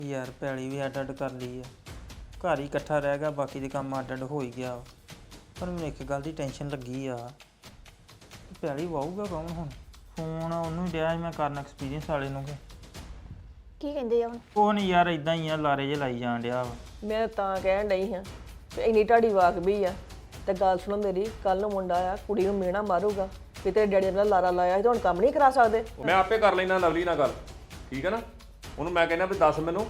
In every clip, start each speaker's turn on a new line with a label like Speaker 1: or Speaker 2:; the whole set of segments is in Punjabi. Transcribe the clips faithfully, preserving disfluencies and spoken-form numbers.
Speaker 1: ਯਾਰ ਪੈਲੀ ਵੀ ਅੱਡ ਅੱਡ ਕਰ ਲਈ ਆ। ਘਰ ਹੀ ਇਕੱਠਾ ਰਹਿ ਗਿਆ, ਬਾਕੀ ਦੇ ਕੰਮ ਅੱਡ ਅੱਡ ਹੋ ਹੀ ਗਿਆ। ਪਰ ਮੈਨੂੰ ਇੱਕ ਗੱਲ ਦੀ ਟੈਨਸ਼ਨ ਲੱਗੀ ਆ, ਪੈਲੀ ਵਾਹੂਗਾ ਕੌਣ ਹੁਣ? ਫੋਨ ਉਹਨੂੰ ਹੀ ਡਿਆ ਸੀ ਮੈਂ ਕਰਨ, ਐਕਸਪੀਰੀਅੰਸ ਵਾਲੇ ਨੂੰ। ਕਿ
Speaker 2: ਕੀ ਕਹਿੰਦੇ ਆ ਹੁਣ?
Speaker 1: ਉਹ ਨਹੀਂ ਯਾਰ, ਇਦਾਂ ਹੀ ਆ, ਲਾਰੇ ਜੇ ਲਾਈ ਜਾਣ ਡਿਆ ਵਾ।
Speaker 3: ਮੈਂ ਤਾਂ ਕਹਿਣ ਡਈ ਹਾਂ ਤੇ ਇੰਨੀ ਢਾਡੀ ਵਾਕ ਵੀ ਆ। ਤੇ ਗੱਲ ਸੁਣੋ ਮੇਰੀ, ਕੱਲ ਨੂੰ ਮੁੰਡਾ ਆ ਕੁੜੀ ਨੂੰ ਮਿਹਣਾ ਮਾਰੂਗਾ ਵੀ ਤੇਰੇ ਡੈਡੀ ਨੇ ਲਾਰਾ ਲਾਇਆ ਸੀ ਤੇ ਹੁਣ ਕੰਮ ਨਹੀਂ ਕਰਾ ਸਕਦੇ।
Speaker 4: ਮੈਂ ਆਪੇ ਕਰ ਲੈਣਾ ਲਵਲੀ ਨਾਲ ਗੱਲ, ਠੀਕ ਹੈ ਨਾ? ਉਹਨੂੰ ਮੈਂ ਕਹਿੰਦਾ ਵੀ ਦੱਸ ਮੈਨੂੰ।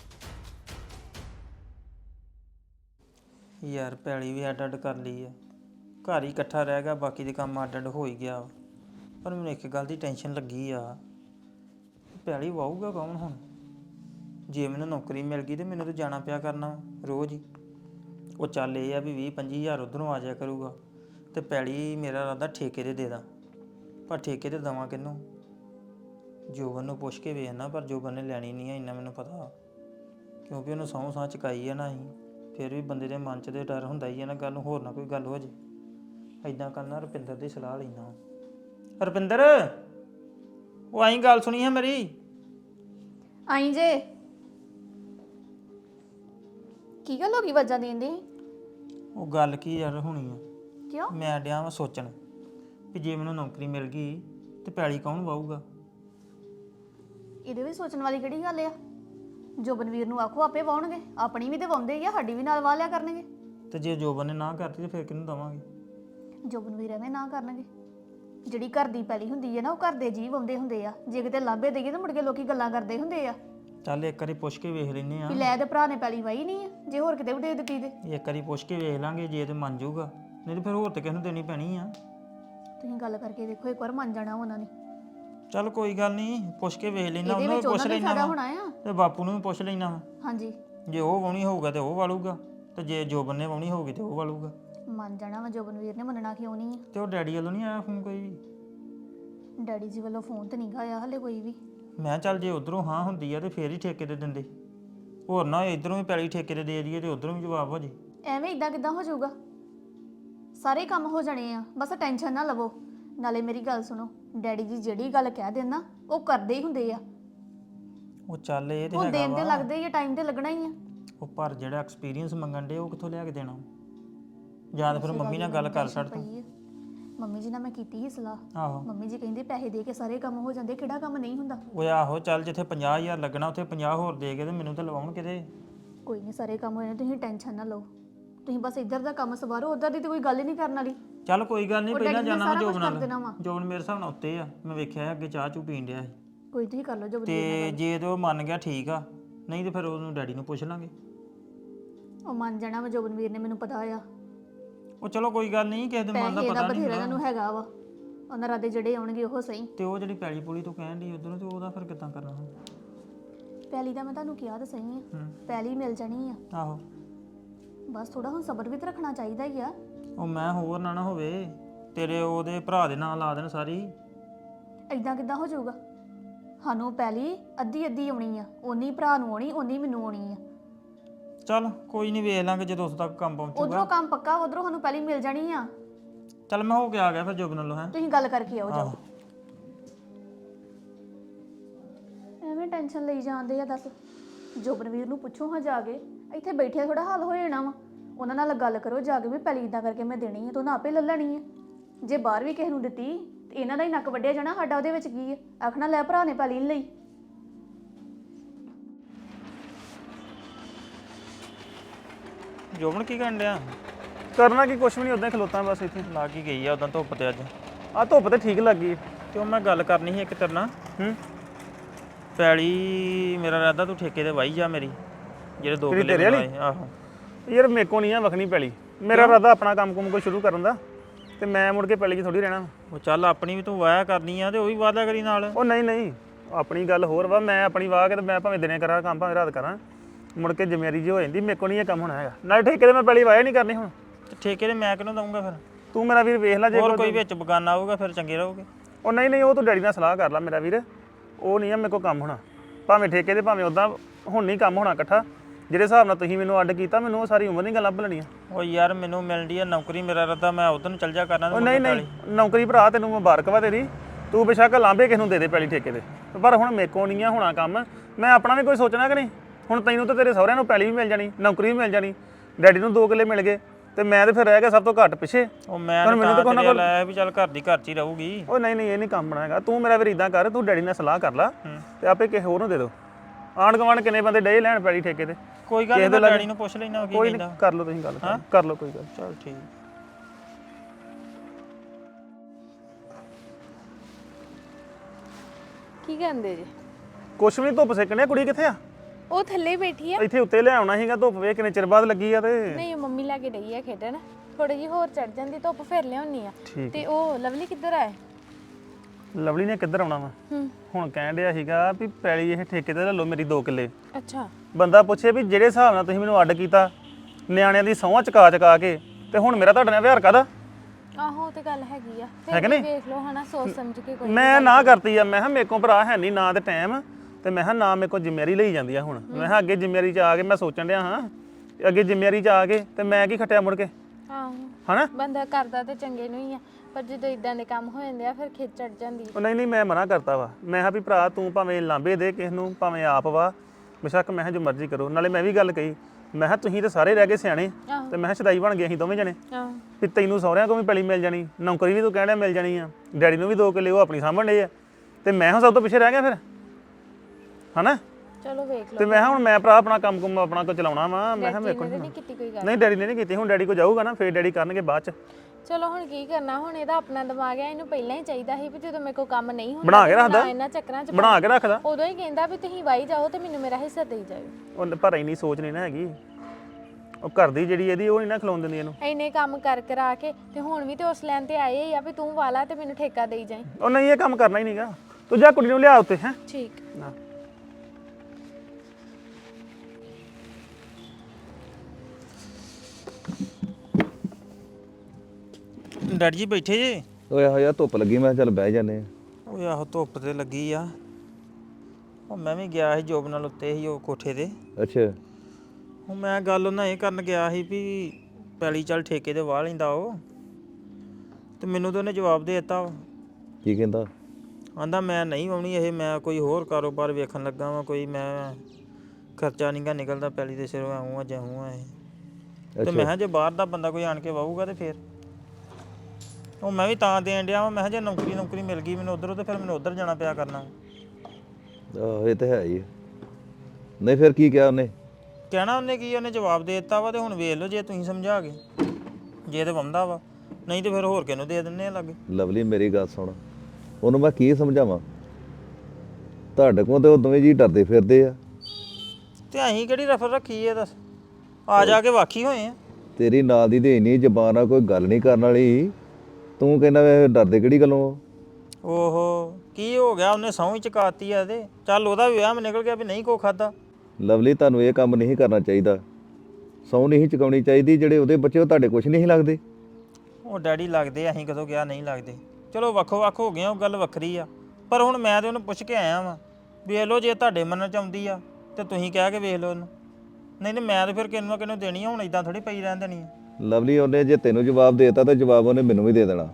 Speaker 1: ਯਾਰ ਪੈਲੀ ਵੀ ਅੱਡ ਅੱਡ ਕਰ ਲਈ ਆ। ਘਰ ਹੀ ਇਕੱਠਾ ਰਹਿ ਗਿਆ, ਬਾਕੀ ਦੇ ਕੰਮ ਅੱਡ ਅੱਡ ਹੋ ਹੀ ਗਿਆ। ਪਰ ਮੈਨੂੰ ਇੱਕ ਗੱਲ ਦੀ ਟੈਨਸ਼ਨ ਲੱਗੀ ਆ, ਪੈਲੀ ਵਾਹੂਗਾ ਕੌਣ ਹੁਣ? ਜੇ ਮੈਨੂੰ ਨੌਕਰੀ ਮਿਲ ਗਈ ਤੇ ਮੈਨੂੰ ਤਾਂ ਜਾਣਾ ਪਿਆ ਕਰਨਾ ਰੋਜ਼ ਹੀ। ਉਹ ਚੱਲ ਇਹ ਆ ਵੀ ਵੀਹ ਪੰਜੀ ਹਜ਼ਾਰ ਉੱਧਰੋਂ ਆ ਜਾਇਆ ਕਰੂਗਾ, ਤੇ ਪੈਲੀ ਮੇਰਾ ਇਰਾਦਾ ਠੇਕੇ 'ਤੇ ਦੇ ਦਾਂ। ਪਰ ਠੇਕੇ 'ਤੇ ਦੇਵਾਂ ਕਿਹਨੂੰ? ਜੋਬਨ ਨੂੰ ਪੁੱਛ ਕੇ ਵੇਖਣਾ, ਪਰ ਜੋਬਨ ਨੇ ਲੈਣੀ ਨਹੀਂ ਹੈ, ਇੰਨਾ ਮੈਨੂੰ ਪਤਾ। ਕਿਉਂਕਿ ਉਹਨੂੰ ਸਹੁੰ ਸਾਹ ਚੁਕਾਈ ਹੈ ਨਾ ਅਸੀਂ। ਫਿਰ ਵੀ ਬੰਦੇ ਦੇ ਮਨ 'ਚ ਤਾਂ ਡਰ ਹੁੰਦਾ ਹੀ ਹੈ ਨਾ, ਗੱਲ ਨੂੰ ਹੋਰ ਨਾ ਕੋਈ ਗੱਲ ਹੋ ਜੇ। ਇੱਦਾਂ ਕਰਨਾ, ਰੁਪਿੰਦਰ ਦੀ ਸਲਾਹ ਲੈਣਾ। ਰੁਪਿੰਦਰ, ਉਹ ਆਈ ਗੱਲ ਸੁਣੀ ਹੈ ਮੇਰੀ।
Speaker 2: ਆਈ ਜੇ ਕੀ ਗੱਲ ਹੋ ਗਈ? ਵਜਾਂ ਦੇਣ ਦੀ?
Speaker 1: ਉਹ ਗੱਲ ਕੀ ਯਾਰ ਹੋਣੀ ਆ,
Speaker 2: ਕਿਉਂ?
Speaker 1: ਮੈਂ ਡਿਆ ਵਾ ਸੋਚਣ ਵੀ ਜੇ ਮੈਨੂੰ ਨੌਕਰੀ ਮਿਲ ਗਈ ਤੇ ਪੈਲੀ ਕੌਣ ਵਾਹੂਗਾ?
Speaker 2: ਇਹਦੇ ਵਿੱਚ ਸੋਚਣ ਵਾਲੀ ਕਿਹੜੀ ਗੱਲ ਆ? ਜੋਬਨਵੀਰ ਨੂੰ ਆਖੋ ਆਪੇ ਵਾਉਣਗੇ, ਆਪਣੀ ਵੀ ਤੇ ਵਾਉਂਦੇ ਹੀ ਆ, ਸਾਡੀ ਵੀ ਨਾਲ ਵਾਹ ਲਿਆ ਕਰਨਗੇ।
Speaker 1: ਤੇ ਜੇ ਜੋਬਨ ਨੇ ਨਾ ਕਰਤੀ ਤੇ ਫਿਰ ਕਿਹਨੂੰ ਦੇਵਾਂਗੇ?
Speaker 2: ਜੋਬਨਵੀਰ ਐਵੇਂ ਨਾ ਕਰਨਗੇ। ਜਿਹੜੀ ਘਰ ਦੀ ਪੈਲੀ ਹੁੰਦੀ ਹੈ ਨਾ, ਉਹ ਘਰ ਦੇ ਜੀਵ ਆਉਂਦੇ ਹੁੰਦੇ ਆ। ਜੇ ਕਿਤੇ ਲਾਂਭੇ ਦੇਈਏ ਤਾਂ ਮੁੜ ਕੇ ਲੋਕੀ ਗੱਲਾਂ ਕਰਦੇ ਹੁੰਦੇ ਆ
Speaker 1: ਚੱਲ ਇੱਕ ਵਾਰੀ ਪੁੱਛ ਕੇ ਵੇਖ ਲੈਨੇ ਆ।
Speaker 2: ਵੀ ਲੈ ਦੇ ਭਰਾ ਨੇ ਪੈਲੀ ਵਾਹੀ ਨਹੀਂ ਆ, ਜੇ ਹੋਰ ਕਿਤੇ ਵੀ ਦੇ ਦਿੱਤੀ ਤੇ
Speaker 1: ਇੱਕ ਵਾਰੀ ਪੁੱਛ ਕੇ ਵੇਖ ਲਾਂਗੇ, ਜੇ ਤੇ ਮੰਨ ਜਾਊਗਾ, ਨਹੀਂ ਤੇ ਫਿਰ ਹੋਰ ਤੇ ਕਿਸ ਨੂੰ ਦੇਣੀ ਪੈਣੀ ਆ।
Speaker 2: ਤੁਸੀਂ ਗੱਲ ਕਰਕੇ ਦੇਖੋ, ਇੱਕ ਵਾਰ ਮੰਨ ਜਾਣਾ ਉਹਨਾਂ ਨੇ।
Speaker 1: ਚੱਲ ਕੋਈ ਗੱਲ ਨਹੀਂ, ਪੁੱਛ ਕੇ ਵੇਖ ਲੈਣਾ,
Speaker 2: ਇਹਦੇ
Speaker 1: ਉਹਨੂੰ ਵੀ
Speaker 2: ਵਿੱਚ
Speaker 1: ਪੁੱਛ
Speaker 2: ਉਹਨਾਂ ਦਾ
Speaker 1: ਲੈਣਾ
Speaker 2: ਫਾਇਦਾ
Speaker 1: ਵਾ,
Speaker 2: ਹੋਣਾ ਆ।
Speaker 1: ਤੇ ਬਾਪੂ ਨੂੰ ਵੀ ਪੁੱਛ ਲੈਣਾ ਵਾ।
Speaker 2: ਹਾਂਜੀ,
Speaker 1: ਜੇ ਉਹ ਵਾਹੁਣੀ ਹੋਊਗਾ ਤੇ ਉਹ ਵਾਲੂਗਾ, ਤੇ ਜੇ ਜੋਬਨ ਨੇ ਵਾਹੁਣੀ ਹੋਊਗੀ ਤੇ ਉਹ ਵਾਲੂਗਾ।
Speaker 2: ਮੰਨ ਜਾਣਾ ਵਾ ਜੋਬਨਵੀਰ ਨੇ, ਮੰਨਣਾ ਕਿਉਂ ਨਹੀਂ ਆ?
Speaker 1: ਤੇ ਉਹ ਡੈਡੀ ਵੱਲੋਂ ਨਹੀਂ ਆਇਆ ਫੋਨ ਕੋਈ ਵੀ?
Speaker 2: ਡੈਡੀ ਜੀ ਵੱਲੋਂ ਫੋਨ ਤੇ ਨਹੀਂ ਆਇਆ ਹਲੇ ਕੋਈ ਵੀ।
Speaker 1: ਮੈਂ ਚੱਲ ਜੇ ਉਧਰੋਂ ਹਾਂ ਹੁੰਦੀ ਆ ਤੇ ਫੇਰ ਹੀ ਠੇਕੇ ਤੇ ਦਿੰਦੇ, ਹੋਰ ਨਾ ਇਧਰੋਂ ਵੀ ਪੈਲੀ ਠੇਕੇ ਤੇ ਦੇ ਦਈਏ ਤੇ ਉਧਰੋਂ ਵੀ ਜਵਾਬ ਹੋ ਜੇ।
Speaker 2: ਐਵੇਂ ਇਦਾਂ ਕਿਦਾਂ ਹੋ ਜਾਊਗਾ? ਸਾਰੇ ਕੰਮ ਹੋ ਜਾਣੇ ਆ, ਬਸ ਟੈਨਸ਼ਨ ਨਾ ਲਵੋ। ਨਾਲੇ ਮੇਰੀ ਗੱਲ ਸੁਣੋ, ਡੈਡੀ ਜੀ ਜਿਹੜੀ ਗੱਲ ਕਹਿ ਦੇਣ ਨਾ, ਉਹ ਕਰਦੇ ਹੀ ਹੁੰਦੇ ਆ।
Speaker 1: ਉਹ ਚੱਲ ਇਹ ਤੇ
Speaker 2: ਉਹ
Speaker 1: ਹੈਗਾ
Speaker 2: ਦਿਨ ਤੇ
Speaker 1: ਵਾ,
Speaker 2: ਲੱਗਦੇ ਹੀ ਆ, ਟਾਈਮ ਤੇ ਲੱਗਣਾ ਹੀ ਆ।
Speaker 1: ਉਹ ਪਰ ਜਿਹੜਾ ਐਕਸਪੀਰੀਅੰਸ ਮੰਗਣ ਦੇ ਉਹ ਕਿੱਥੋਂ ਲਿਆ ਕੇ ਦੇਣਾ? ਜਾਂ ਤਾਂ ਫਿਰ ਮੰਮੀ ਨਾਲ ਗੱਲ ਕਰ ਛੱਡ ਤੂੰ।
Speaker 2: ਪਈ ਆ। ਮੰਮੀ ਜੀ ਨਾਲ ਮੈਂ ਕੀਤੀ ਸੀ ਸਲਾਹ।
Speaker 1: ਆਹੋ,
Speaker 2: ਮੰਮੀ ਜੀ ਕਹਿੰਦੇ ਪੈਸੇ ਦੇ ਕੇ ਸਾਰੇ ਕੰਮ ਹੋ ਜਾਂਦੇ, ਕਿਹੜਾ ਕੰਮ ਨਹੀਂ ਹੁੰਦਾ।
Speaker 1: ਉਹ ਆਹੋ ਚੱਲ, ਜਿੱਥੇ ਪੰਜਾਹ ਹਜ਼ਾਰ ਲੱਗਣਾ ਉੱਥੇ ਪੰਜਾਹ ਹੋਰ ਦੇ ਕੇ ਤੇ ਮੈਨੂੰ ਤਾਂ ਲਵਾਉਣ ਕਿਤੇ।
Speaker 2: ਕੋਈ ਨਹੀਂ, ਸਾਰੇ ਕੰਮ ਹੋ ਜਾਣੇ, ਤੁਸੀਂ ਟੈਨਸ਼ਨ ਨਾ ਲਓ। ਤੁਸੀਂ ਬਸ ਇੱਧਰ ਦਾ ਕੰਮ ਸਵਾਰੋ, ਉੱਧਰ ਦੀ ਤੇ ਕੋਈ ਗੱਲ ਹੀ ਨਹੀਂ ਕਰਨ ਵਾਲੀ।
Speaker 1: ਚੱਲ ਕੋਈ ਗੱਲ ਨਹੀਂ,
Speaker 2: ਉਹ
Speaker 1: ਪਹਿਲਾਂ
Speaker 2: ਡੈਡੀ ਨੇ
Speaker 1: ਜਾਣਾ
Speaker 2: ਸਾਰਾ
Speaker 1: ਮੈਂ
Speaker 2: ਕੁਛ
Speaker 1: ਜੋਬ
Speaker 2: ਕਰ ਦੇਣਾ ਵਾ।
Speaker 1: ਨਾਲ। ਜੋਬ ਮੇਰੇ ਹਿਸਾਬ ਨਾਲ ਉੱਤੇ ਆ, ਮੈਂ ਵੇਖਿਆ ਅੱਗੇ ਚਾਹ ਚੂ ਪੀਣ ਡਿਆ ਸੀ।
Speaker 2: ਕੋਈ ਤੁਸੀਂ ਕਰ ਲਓ ਜੋ
Speaker 1: ਤੇ ਜੇ ਤੇ ਉਹ ਮੰਨ ਗਿਆ ਠੀਕ ਆ, ਨਹੀਂ ਤੇ ਫਿਰ ਉਹਨੂੰ ਡੈਡੀ ਨੂੰ ਪੁੱਛ ਲਾਂਗੇ।
Speaker 2: ਉਹ ਮੰਨ ਜਾਣਾ ਵਾ ਜੋਬਨਵੀਰ ਨੇ, ਮੈਨੂੰ ਪਤਾ ਆ।
Speaker 1: ਉਹ ਚਲੋ ਕੋਈ ਗੱਲ ਨਹੀਂ, ਕਿਸੇ ਦੇ ਮਨ ਦਾ
Speaker 2: ਪੈਸੇ ਦਾ
Speaker 1: ਪਤਾ ਨਹੀਂ
Speaker 2: ਬਥੇਰਾ
Speaker 1: ਹੁੰਦਾ।
Speaker 2: ਨੂੰ ਹੈਗਾ ਵਾ, ਉਹਨਾਂ ਰਾਦੇ ਜਿਹੜੇ ਆਉਣਗੇ ਉਹ ਸਹੀ।
Speaker 1: ਤੇ ਉਹ ਜਿਹੜੀ ਪੈਲੀ ਪੂਲੀ ਤੂੰ ਕਹਿਣ ਦੀ ਉਧਰੋਂ, ਤੇ ਉਹਦਾ ਫਿਰ ਕਿੱਦਾਂ ਕਰਨਾ ਹੁਣ?
Speaker 2: ਪੈਲੀ ਦਾ ਮੈਂ ਤੁਹਾਨੂੰ ਕਿਹਾ ਤਾਂ ਸਹੀ ਆ,
Speaker 1: ਹੂੰ,
Speaker 2: ਪੈਲੀ ਮਿਲ ਜਾਣੀ ਆ।
Speaker 1: ਆਹੋ।
Speaker 2: ਬਸ ਥੋੜਾ ਹੁਣ ਸਬਰ ਵੀ ਤਾਂ ਰੱਖਣਾ ਚਾਹੀਦਾ ਹੀ ਆ।
Speaker 1: ਉਹ ਮੈਂ ਹੋਰ ਨਾ ਨਾ ਹੋਵੇ ਤੇਰੇ ਉਹਦੇ ਭਰਾ ਦੇ ਨਾਂ ਲਾ ਦੇਣ ਸਾਰੀ।
Speaker 2: ਐਦਾਂ ਕਿੱਦਾਂ ਹੋ ਜਾਊਗਾ? ਸਾਨੂੰ ਪੈਲੀ ਅੱਧੀ ਅੱਧੀ ਆਉਣੀ ਆ, ਓਨੀ ਭਰਾ ਨੂੰ ਆਉਣੀ, ਓਨੀ ਮੈਨੂੰ ਆਉਣੀ ਆ।
Speaker 1: ਚੱਲ ਕੋਈ ਨਹੀਂ, ਵੇਖ ਲਾਂਗੇ ਜਦੋਂ ਉਸ ਤੱਕ ਕੰਮ ਪਹੁੰਚੂਗਾ।
Speaker 2: ਉਧਰੋਂ ਕੰਮ ਪੱਕਾ, ਉਧਰੋਂ ਸਾਨੂੰ ਪੈਲੀ ਮਿਲ ਜਾਣੀ ਆ।
Speaker 1: ਚੱਲ ਮੈਂ ਹੋ ਕੇ ਆ ਗਿਆ ਫਿਰ ਜੋਬ ਨਾਲੋਂ। ਹੈ
Speaker 2: ਤੁਸੀਂ ਗੱਲ ਕਰਕੇ ਆਓ, ਜਾਓ।
Speaker 1: ਆਹੋ।
Speaker 2: ਐਵੇਂ ਟੈਨਸ਼ਨ ਲਈ ਜਾਂਦੇ ਆ। ਦੱਸ, ਜੋਬਨਵੀਰ ਨੂੰ ਪੁੱਛੋ ਹਾਂ ਜਾ ਕੇ, ਇੱਥੇ ਬੈਠੇ ਥੋੜਾ ਹੱਲ ਹੋ ਜਾਣਾ ਵਾ। ਉਹਨਾਂ ਨਾਲ ਗੱਲ ਕਰੋ ਜਾ ਕੇ ਵੀ ਪੈਲੀ ਇਦਾਂ ਕਰਕੇ ਮੈਂ ਦੇਣੀ ਹੈ, ਤੂੰ ਨਾ ਆਪੇ ਲੈ ਲੈਣੀ ਹੈ। ਜੇ ਬਾਹਰ ਵੀ ਕਿਸੇ ਨੂੰ ਦਿੱਤੀ ਤੇ ਇਹਨਾਂ ਦਾ ਹੀ ਨੱਕ ਵੱਢਿਆ ਜਾਣਾ, ਸਾਡਾ ਉਹਦੇ ਵਿੱਚ ਕੀ ਹੈ? ਆਖਣਾ ਲੈ ਭਰਾ ਨੇ ਪੈਲੀ ਨਹੀਂ ਲਈ।
Speaker 1: ਜੋਬਨ ਕੀ ਕਰਨ ਡਿਆ?
Speaker 5: ਕਰਨਾ ਕੀ, ਕੁਛ ਵੀ ਨਹੀਂ, ਉਦਾਂ ਖਲੋਤਾ ਬਸ ਇੱਥੇ।
Speaker 1: ਲੱਗ ਹੀ ਗਈ ਆ ਉਦੋਂ ਧੁੱਪ ਤੇ ਅੱਜ।
Speaker 5: ਆ ਧੁੱਪ ਤੇ ਠੀਕ ਲੱਗੀ।
Speaker 1: ਤੇ ਉਹ ਮੈਂ ਗੱਲ ਕਰਨੀ ਸੀ ਇੱਕ ਤੇਰੇ ਨਾਲ।
Speaker 5: ਹੂੰ,
Speaker 1: ਪੈਲੀ ਮੇਰਾ ਇਰਾਦਾ ਤੂੰ ਠੇਕੇ ਤੇ ਵਾਹੀ ਜਾ ਮੇਰੀ, ਜਿਹੜੇ ਦੋ
Speaker 5: ਕਿਹੜੀ
Speaker 1: ਕਿੱਲੇ
Speaker 5: ਤੇਰੇ ਵਾਲੀ?
Speaker 1: ਬਣਾਏ। ਆਹੋ,
Speaker 5: ਯਾਰ ਮੇਰੇ ਕੋ ਨਹੀਂ ਆ ਵਖਣੀ ਪੈਲੀ। ਮੇਰਾ ਇਰਾਦਾ ਆਪਣਾ ਕੰਮ ਕੁਮ ਕੋਈ ਸ਼ੁਰੂ ਕਰਨ ਦਾ, ਤੇ ਮੈਂ ਮੁੜ ਕੇ ਪੈਲੀ 'ਚ ਥੋੜੀ ਰਹਿਣਾ।
Speaker 1: ਉਹ ਚੱਲ ਆਪਣੀ ਵੀ ਤੂੰ ਵਾਇਆ ਕਰਨੀ ਆ ਤੇ ਉਹ ਵੀ ਵਾਦਾ ਕਰੀ ਨਾਲ।
Speaker 5: ਉਹ ਨਹੀਂ ਨਹੀਂ, ਆਪਣੀ ਗੱਲ ਹੋਰ ਵਾ। ਮੈਂ ਆਪਣੀ ਵਾਹ ਕੇ ਤੇ ਮੈਂ ਭਾਵੇਂ ਦਿਨੇ ਕਰਾਂ ਕੰਮ, ਭਾਵੇਂ ਰਾਤ ਕਰਾਂ, ਮੁੜ ਕੇ ਜ਼ਿੰਮੇਵਾਰੀ ਜੀ ਹੋ ਜਾਂਦੀ। ਮੇਰੇ ਕੋ ਨਹੀਂ ਇਹ ਕੰਮ ਹੋਣਾ ਹੈਗਾ। ਨਾਲੇ ਠੇਕੇ ਤੇ ਮੈਂ ਪੈਲੀ ਵਾਇਆ ਨਹੀਂ ਕਰਨੀ ਹੁਣ।
Speaker 1: ਤੇ ਠੇਕੇ ਤੇ ਮੈਂ ਕਿਹਨੂੰ ਦਊਂਗਾ ਫਿਰ?
Speaker 5: ਤੂੰ ਮੇਰਾ ਵੀਰ ਵੇਖ ਲੈ, ਜੇ
Speaker 1: ਹੋਰ ਕੋਈ ਵਿੱਚ ਬਗਾਨਾ ਆਊਗਾ ਫਿਰ ਚੰਗੇ ਰਹੋਗੇ।
Speaker 5: ਉਹ ਨਹੀਂ ਨਹੀਂ, ਉਹ ਤੂੰ ਡੈਡੀ ਨਾਲ ਸਲਾਹ ਕਰ ਲੈ ਮੇਰਾ ਵੀਰ। ਉਹ ਨਹੀਂ ਆ ਮੇਰੇ ਕੋ ਕੰਮ ਹੋਣਾ, ਭਾਵੇਂ ਠੇਕੇ ਤੇ ਭਾਵੇਂ ਉੱਦਾਂ। ਹੁਣ ਨਹੀਂ ਕੰਮ ਹੋਣਾ ਇਕੱਠਾ। ਜਿਹੜੇ ਹਿਸਾਬ ਨਾਲ ਤੁਸੀਂ ਮੈਨੂੰ ਅੱਡ ਕੀਤਾ, ਮੈਨੂੰ ਉਹ ਸਾਰੀ ਉਮਰ ਨਹੀਂ ਗੱਲਾਂ ਭੁੱਲਣੀਆਂ।
Speaker 1: ਉਹ ਯਾਰ ਮੈਨੂੰ ਮਿਲਦੀ ਆ ਨੌਕਰੀ, ਮੇਰਾ ਇਰਾਦਾ ਮੈਂ ਉਧਰ ਨੂੰ ਚੱਲ ਜਾ ਕਰਨਾ।
Speaker 5: ਉਹ ਨਹੀਂ ਨਹੀਂ, ਨੌਕਰੀ ਭਰਾ ਤੈਨੂੰ ਮੁਬਾਰਕ ਵਾ ਤੇਰੀ। ਤੂੰ ਬੇਸ਼ੱਕ ਲਾਂਭੇ ਕਿਸ ਨੂੰ ਦੇ ਦੇ ਪੈਲੀ ਠੇਕੇ ਤੇ, ਪਰ ਹੁਣ ਮੇਰੇ ਕੋ ਨਹੀਂ ਆ ਹੋਣਾ ਕੰਮ। ਮੈਂ ਆਪਣਾ ਵੀ ਕੋਈ ਸੋਚਣਾ ਕਿ ਨਹੀਂ। ਹੁਣ ਤੈਨੂੰ ਤਾਂ ਤੇਰੇ ਸਹੁਰਿਆਂ ਨੂੰ ਪੈਲੀ ਵੀ ਮਿਲ ਜਾਣੀ, ਨੌਕਰੀ ਵੀ ਮਿਲ ਜਾਣੀ, ਡੈਡੀ ਨੂੰ ਦੋ ਕਿੱਲੇ ਮਿਲ ਗਏ ਤੇ ਮੈਂ ਤੇ ਫਿਰ ਰਹਿ ਗਿਆ ਸਭ ਤੋਂ ਘੱਟ ਪਿੱਛੇ।
Speaker 1: ਉਹ ਮੈਂ
Speaker 5: ਪਰ ਮੈਨੂੰ ਤਾਂ
Speaker 1: ਤਾਂ
Speaker 5: ਕੋਈ ਨਾ
Speaker 1: ਤੇਰੇ
Speaker 5: ਕੋਈ-
Speaker 1: ਲਾਇਆ ਵੀ ਚੱਲ ਘਰ ਦੀ ਘਰ 'ਚ ਹੀ ਰਹੂਗੀ।
Speaker 5: ਉਹ ਨਹੀਂ ਨਹੀਂ ਇਹ ਨਹੀਂ ਕੰਮ ਬਣਾਏਗਾ। ਤੂੰ ਮੇਰਾ ਵੀਰ ਇਦਾਂ ਕਰ, ਤੂੰ ਡੈਡੀ ਨਾਲ ਸਲਾਹ ਕਰ ਲਾ ਤੇ ਆਪੇ ਕਿਸੇ ਹੋਰ ਨੂੰ ਦੇ ਦੋ। ਆਂਢ ਗੁਆਂਢ ਕਿੰਨੇ ਬੰਦੇ ਡੇ ਲੈਣ ਪੈਲੀ ਠੇਕੇ ਤੇ।
Speaker 1: ਕੋਈ ਗੱਲ
Speaker 5: ਕਿਸੇ
Speaker 1: ਨਹੀਂ,
Speaker 5: ਦੇ
Speaker 1: ਮੈਂ
Speaker 5: ਲਾਗੇ-
Speaker 1: ਡੈਡੀ ਨੂੰ ਪੁੱਛ ਲੈਣਾ ਕੀ
Speaker 5: ਕੋਈ
Speaker 1: ਕਹਿੰਦਾ।
Speaker 5: ਨਹੀਂ, ਕਰ ਲਓ ਤੁਸੀਂ ਗੱਲ, ਕਰ- ਕਰ ਲਓ ਕੋਈ ਗੱਲ।
Speaker 1: ਚਲ ਠੀਕ।
Speaker 6: ਕੀ ਕਹਿੰਦੇ ਜੀ?
Speaker 5: ਕੁਛ ਵੀ ਨੀ, ਧੁੱਪ ਸੇਕਣੀ ਆ। ਕੁੜੀ ਕਿੱਥੇ ਆ?
Speaker 6: ਉਹ ਥੱਲੇ ਬੈਠੀ ਆ।
Speaker 5: ਇੱਥੇ ਉੱਤੇ ਲੈ ਆਉਣਾ ਸੀਗਾ, ਧੁੱਪ ਵੇਖ ਕਿੰਨੇ ਚਿਰ ਬਾਅਦ ਲੱਗੀ ਆ ਤੇ।
Speaker 6: ਨਹੀਂ ਉਹ ਮੰਮੀ ਲੈ ਕੇ ਡਈ ਆ ਖੇਡਣ, ਥੋੜੀ ਜੀ ਹੋਰ ਚੜ ਜਾਂਦੀ ਧੁੱਪ ਫਿਰ ਲਿਆਉਣੀ ਆ।
Speaker 5: ਠੀਕ।
Speaker 6: ਤੇ ਉਹ ਲਵਲੀ ਕਿੱਧਰ ਆਏ?
Speaker 5: ਲਵਲੀ ਨੇ ਕਿੱਧਰ ਆਉਣਾ ਵਾ?
Speaker 6: ਹੂੰ।
Speaker 5: ਹੁਣ ਕਹਿਣ ਡਿਆ ਸੀਗਾ ਵੀ ਪੈਲੀ ਇਹ ਠੇਕੇ ਤੇ ਲੈ ਲਓ ਮੇਰੀ ਦੋ ਕਿੱਲੇ।
Speaker 6: ਅੱਛਾ।
Speaker 5: ਬੰਦਾ ਪੁੱਛੇ ਵੀ ਜਿਹੜੇ ਹਿਸਾਬ ਨਾਲ ਤੁਸੀਂ ਮੈਨੂੰ ਅੱਡ ਕੀਤਾ ਨਿਆਣਿਆਂ ਦੀ ਸਹੁੰਆਂ ਚਕਾ ਚਕਾ ਕੇ, ਤੇ ਹੁਣ ਮੇਰਾ ਤੁਹਾਡੇ ਨਾਲ ਵਿਹਾਰ ਕਾਹਦਾ?
Speaker 6: ਆਹੋ ਉਹ ਤੇ ਗੱਲ ਹੈਗੀ ਆ।
Speaker 5: ਹੈ ਕਿ
Speaker 6: ਫਿਰ
Speaker 5: ਨਹੀਂ?
Speaker 6: ਵੀ ਵੇਖ ਲਓ ਹਨਾ, ਸੋਚ ਸਮਝ ਕੇ ਕੋਈ।
Speaker 5: ਮੈਂ ਨਾ ਕਰਤੀ ਆ। ਮੈਂ ਕਿਹਾ ਮੇਰੇ ਕੋਲ ਭਰਾ ਹੈ ਨਹੀਂ ਨਾ ਤੇ ਟਾਈਮ, ਤੇ ਮੈਂ ਕਿਹਾ ਨਾ ਮੇਰੇ ਕੋਲ ਜ਼ਿੰਮੇਵਾਰੀ ਲਈ ਜਾਂਦੀ ਆ। ਹੁਣ ਮੈਂ ਕਿਹਾ ਅੱਗੇ ਜ਼ਿੰਮੇਵਾਰੀ ਚ ਆ ਕੇ ਮੈਂ ਸੋਚਣ ਡਿਆ ਹਾਂ, ਅੱਗੇ ਜ਼ਿੰਮੇਵਾਰੀ ਚ ਆ ਕੇ ਤੇ ਮੈਂ ਕੀ ਖੱਟਿਆ ਮੁੜ ਕੇ,
Speaker 6: ਆਹੋ
Speaker 5: ਹਨਾ?
Speaker 6: ਬੰਦਾ ਕਰਦਾ ਤੇ ਚੰਗੇ ਨੂੰ ਹੀ ਆ, ਪਰ ਜਦੋਂ ਇਦਾਂ ਦੇ ਕੰਮ ਹੋ ਜਾਂਦੇ ਆ ਫਿਰ ਖਿੱਚ ਚੜ ਜਾਂਦੀ
Speaker 5: ਉਹ ਨਹੀਂ ਨਹੀਂ ਮੈਂ ਮਨਾ ਕਰਤਾ ਵਾ। ਮੈਂ ਕਿਹਾ ਵੀ ਭਰਾ ਤੂੰ ਭਾਵੇਂ ਲਾਂਬੇ ਦੇ ਕਿਸ ਨੂੰ, ਭਾਵੇਂ ਆਪ ਵਾ, ਬੇਸ਼ੱਕ ਮੈਂ ਕਿਹਾ ਜੋ ਮਰਜ਼ੀ ਕਰੋ। ਨਾਲੇ ਮੈਂ ਵੀ ਗੱਲ ਕਹੀ, ਮੈਂ ਕਿਹਾ ਤੁਸੀਂ ਤਾਂ ਸਾਰੇ ਰਹਿ ਗਏ ਸਿਆਣੇ,
Speaker 6: ਆਹੋ।
Speaker 5: ਤੇ ਮੈਂ ਕਿਹਾ ਸ਼ਦਾਈ ਬਣ ਗਏ ਅਸੀਂ ਦੋਵੇਂ ਜਣੇ।
Speaker 6: ਆਹੋ
Speaker 5: ਵੀ ਤੈਨੂੰ ਸਹੁਰਿਆਂ ਕੋਲ ਵੀ ਪੈਲੀ ਮਿਲ ਜਾਣੀ, ਨੌਕਰੀ ਵੀ ਤੂੰ ਕਹਿਣ ਡਿਆ ਮਿਲ ਜਾਣੀ ਆ, ਡੈਡੀ ਨੂੰ ਵੀ ਦੋ ਕਿੱਲੇ ਉਹ ਆਪਣੀ ਸਾਂਭਣ ਡੇ ਆ, ਤੇ ਮੈਂ ਹੁਣ ਸਭ ਤੋਂ ਪਿੱਛੇ ਰਹਿ ਗਿਆ ਫਿਰ, ਹਨਾ?
Speaker 6: ਚਲੋ ਵੇਖ
Speaker 5: ਤੇ
Speaker 6: ਲਓ।
Speaker 5: ਮੈਂ ਕਿਹਾ ਹੁਣ ਮੈਂ ਭਰਾ ਆਪਣਾ ਕੰਮ ਕੁਮ ਆਪਣਾ ਕੋ ਚਲਾਉਣਾ ਵਾ। ਮੈਂ ਕਿਹਾ ਮੇਰੇ ਕੋਲ
Speaker 6: ਡੈਡੀ ਨੇ ਨਹੀਂ ਕੀਤੀ ਕੋਈ ਗੱਲ?
Speaker 5: ਨਹੀਂ, ਡੈਡੀ ਨੇ ਨਹੀਂ ਕੀਤੀ। ਹੁਣ ਡੈਡੀ ਕੋ ਜਾਊਗਾ ਨਾ, ਫੇਰ ਡੈਡੀ ਕਰਨਗੇ ਬਾਅਦ ਚ।
Speaker 6: ਚਲੋ ਹੁਣ ਕੀ ਕਰਨਾ, ਹੁਣ ਇਹਦਾ ਆਪਣਾ ਦਿਮਾਗ ਹੈ, ਇਹਨੂੰ ਪਹਿਲਾਂ ਹੀ ਚਾਹੀਦਾ ਸੀ ਵੀ ਜਦੋਂ ਮੇਰੇ ਕੋਲ ਕੰਮ ਨਹੀਂ ਹੁੰਦਾ
Speaker 5: ਬਣਾ ਕੇ
Speaker 6: ਤੇ ਮੈਂ
Speaker 5: ਰੱਖਦਾ।
Speaker 6: ਨਾ ਇਹਨਾਂ ਚੱਕਰਾਂ 'ਚ
Speaker 5: ਬਣਾ ਕੇ ਰੱਖਦਾ।
Speaker 6: ਉਦੋਂ ਹੀ ਕਹਿੰਦਾ ਵੀ ਤੁਸੀਂ ਵਾਈ ਜਾਓ ਤੇ ਮੈਨੂੰ ਮੇਰਾ ਹਿੱਸਾ ਦੇਈ ਜਾਓ।
Speaker 5: ਉਹ ਪਰ ਇੰਨੀ ਸੋਚ ਨਹੀਂ ਨਾ ਹੈਗੀ, ਉਹ ਘਰ ਦੀ ਜਿਹੜੀ ਇਹਦੀ ਉਹ ਨਹੀਂ ਨਾ ਖਲੋਣ ਦਿੰਦੀ ਇਹਨੂੰ।
Speaker 6: ਇੰਨੇ ਕੰਮ ਕਰ ਕਰਾ ਕੇ ਤੇ ਹੁਣ ਵੀ ਤੇ ਉਸ ਲੈਣ ਤੇ ਆਏ ਹੀ ਆ ਵੀ ਤੂੰ ਵਾਲਾ ਤੇ ਮੈਨੂੰ ਠੇਕਾ ਦੇਈ ਜਾਈਂ।
Speaker 5: ਉਹ ਨਹੀਂ ਇਹ ਕੰਮ ਕਰਨਾ ਹੀ ਨਹੀਂਗਾ। ਤੂੰ ਜਾ ਕੁੜੀ ਨੂੰ ਲਿਆ ਉੱਤੇ। ਹੈ
Speaker 6: ਠੀਕ।
Speaker 1: ਡੈਡੀ ਜੀ ਬੈਠੇ ਜੇ?
Speaker 7: ਓਏ ਆਹੋ ਯਾਰ ਧੁੱਪ ਲੱਗੀ, ਮੈਂ ਕਿਹਾ ਚੱਲ ਬਹਿ ਜਾਂਦੇ ਆ।
Speaker 1: ਓਏ ਆਹੋ ਧੁੱਪ ਤੇ ਲੱਗੀ ਆ। ਉਹ ਮੈਂ ਵੀ ਗਿਆ ਸੀ ਜੋਬ ਨਾਲ ਉੱਤੇ ਸੀ ਉਹ ਕੋਠੇ ਤੇ।
Speaker 7: ਅੱਛਾ।
Speaker 1: ਉਹ ਮੈਂ ਗੱਲ ਉਹਨਾਂ ਇਹ ਕਰਨ ਗਿਆ ਸੀ ਵੀ ਪੈਲੀ ਚੱਲ ਠੇਕੇ ਤੇ ਵਾਹ ਲੈਂਦਾ ਉਹ, ਤੇ ਮੈਨੂੰ ਤਾਂ ਉਹਨੇ ਜਵਾਬ ਦੇ ਦਿੱਤਾ।
Speaker 7: ਕੀ ਕਹਿੰਦਾ?
Speaker 1: ਆਂਦਾ ਮੈਂ ਨਹੀਂ ਆਉਣੀ ਇਹ, ਮੈਂ ਕੋਈ ਹੋਰ ਕਾਰੋਬਾਰ ਵੇਖਣ ਲੱਗਾ ਵਾਂ, ਕੋਈ ਮੈਂ ਖਰਚਾ ਨਹੀਂਗਾ ਨਿਕਲਦਾ ਪੈਲੀ ਦੇ ਸਿਰੋਂ, ਆਉਂ ਆ ਜਾਉਂ ਆ ਇਹ। ਤੇ ਮੈਂ ਕਿਹਾ ਜੇ ਬਾਹਰ ਦਾ ਬੰਦਾ ਕੋਈ ਆਣ ਕੇ ਵਾਹੂਗਾ ਤੇ ਫਿਰ ਉਹ ਮੈਂ ਵੀ ਤਾਂ ਦੇਣ ਡਿਆ ਵਾਂ। ਮੈਂ ਕਿਹਾ ਜੇ ਨੌਕਰੀ ਨੌਕਰੀ ਮਿਲ ਗਈ ਮੈਨੂੰ ਉੱਧਰੋਂ ਤੇ ਫਿਰ ਮੈਨੂੰ ਉੱਧਰ ਜਾਣਾ ਪਿਆ ਕਰਨਾ।
Speaker 7: ਆਹੋ ਇਹ ਤਾਂ ਹੈ ਹੀ ਆ। ਨਹੀਂ ਫਿਰ ਕੀ ਕਿਹਾ ਉਹਨੇ?
Speaker 1: ਕਹਿਣਾ ਉਹਨੇ ਕੀ, ਉਹਨੇ ਜਵਾਬ ਦੇ ਦਿੱਤਾ ਵਾ। ਤੇ ਹੁਣ ਵੇਖ ਲਓ ਜੇ ਤੁਸੀਂ ਸਮਝਾ ਗਏ, ਜੇ ਤੇ ਬੰਦਾ ਵਾ, ਨਹੀਂ ਤੇ ਫਿਰ ਹੋਰ ਕਿਹਨੂੰ ਦੇ ਦਿੰਨੇ ਆ ਲੱਗੇ।
Speaker 7: ਲਵਲੀ ਮੇਰੀ ਗੱਲ ਸੁਣ, ਉਹਨੂੰ ਮੈਂ ਕੀ ਸਮਝਾਵਾਂ? ਤੁਹਾਡੇ ਕੋਲ ਤੇ ਉਹ ਦੋਵੇਂ ਜੀ ਡਰਦੇ ਫਿਰਦੇ ਆ,
Speaker 1: ਤੇ ਅਸੀਂ ਕਿਹੜੀ ਰਫਲ ਰੱਖੀ ਏ ਦੱਸ? ਆ ਜਾ ਕੇ ਵਾਕੀ ਹੋਏ ਆ।
Speaker 7: ਤੇਰੀ ਨਾਲ ਦੀ ਤੇ ਇੰਨੀ ਜ਼ਬਾਨ ਆ, ਕੋਈ ਗੱਲ ਨਹੀਂ ਕਰਨ ਵਾਲੀ। ਤੂੰ ਕਹਿੰਦਾ ਵੇ ਡਰਦੇ ਕਿਹੜੀ ਗੱਲੋਂ?
Speaker 1: ਓਹੋ ਕੀ ਹੋ ਗਿਆ? ਉਹਨੇ ਸਹੁੰ ਹੀ ਚਕਾਤੀ ਆ ਇਹਦੇ। ਚੱਲ ਉਹਦਾ ਵੀ ਵਿਆਹ ਮੈਂ ਨਿਕਲ ਗਿਆ ਵੀ ਨਹੀਂ ਕੋ ਖਾਦਾ।
Speaker 7: ਲਵਲੀ ਤੁਹਾਨੂੰ ਇਹ ਕੰਮ ਨਹੀਂ ਕਰਨਾ ਚਾਹੀਦਾ, ਸਹੁੰ ਨਹੀਂ ਚੁਕਾਉਣੀ ਚਾਹੀਦੀ। ਜਿਹੜੇ ਉਹਦੇ ਬੱਚੇ ਉਹ ਤੁਹਾਡੇ ਕੁਝ ਨਹੀਂ ਲੱਗਦੇ।
Speaker 1: ਉਹ ਡੈਡੀ ਲੱਗਦੇ, ਅਸੀਂ ਕਦੋਂ ਗਿਆ ਨਹੀਂ ਲੱਗਦੇ। ਚਲੋ ਵੱਖੋ ਵੱਖ ਹੋ ਗਏ, ਉਹ ਗੱਲ ਵੱਖਰੀ ਆ। ਪਰ ਹੁਣ ਮੈਂ ਤੇ ਉਹਨੂੰ ਪੁੱਛ ਕੇ ਆਇਆ ਵਾਂ, ਵੇਖ ਲਓ ਜੇ ਤੁਹਾਡੇ ਮੰਨਣ ਚ ਆਉਂਦੀ ਆ ਤੇ ਤੁਸੀਂ ਕਹਿ ਕੇ ਵੇਖ ਲਓ ਉਹਨੂੰ, ਨਹੀਂ ਤੇ ਮੈਂ ਤੇ ਫਿਰ ਕਿਹਨੂੰ ਨਾ ਕਿਹਨੂੰ ਦੇਣੀ ਆ। ਹੁਣ ਇਦਾਂ ਥੋੜੀ ਪਈ ਰਹਿਣ ਦੇਣੀ ਆ।
Speaker 7: ਲਵਲੀ ਉਹਨੇ ਜੇ ਤੈਨੂੰ ਜਵਾਬ ਦੇਤਾ ਤਾਂ ਜਵਾਬ ਉਹਨੇ ਮੈਨੂੰ ਵੀ ਦੇ ਦੇਣਾ।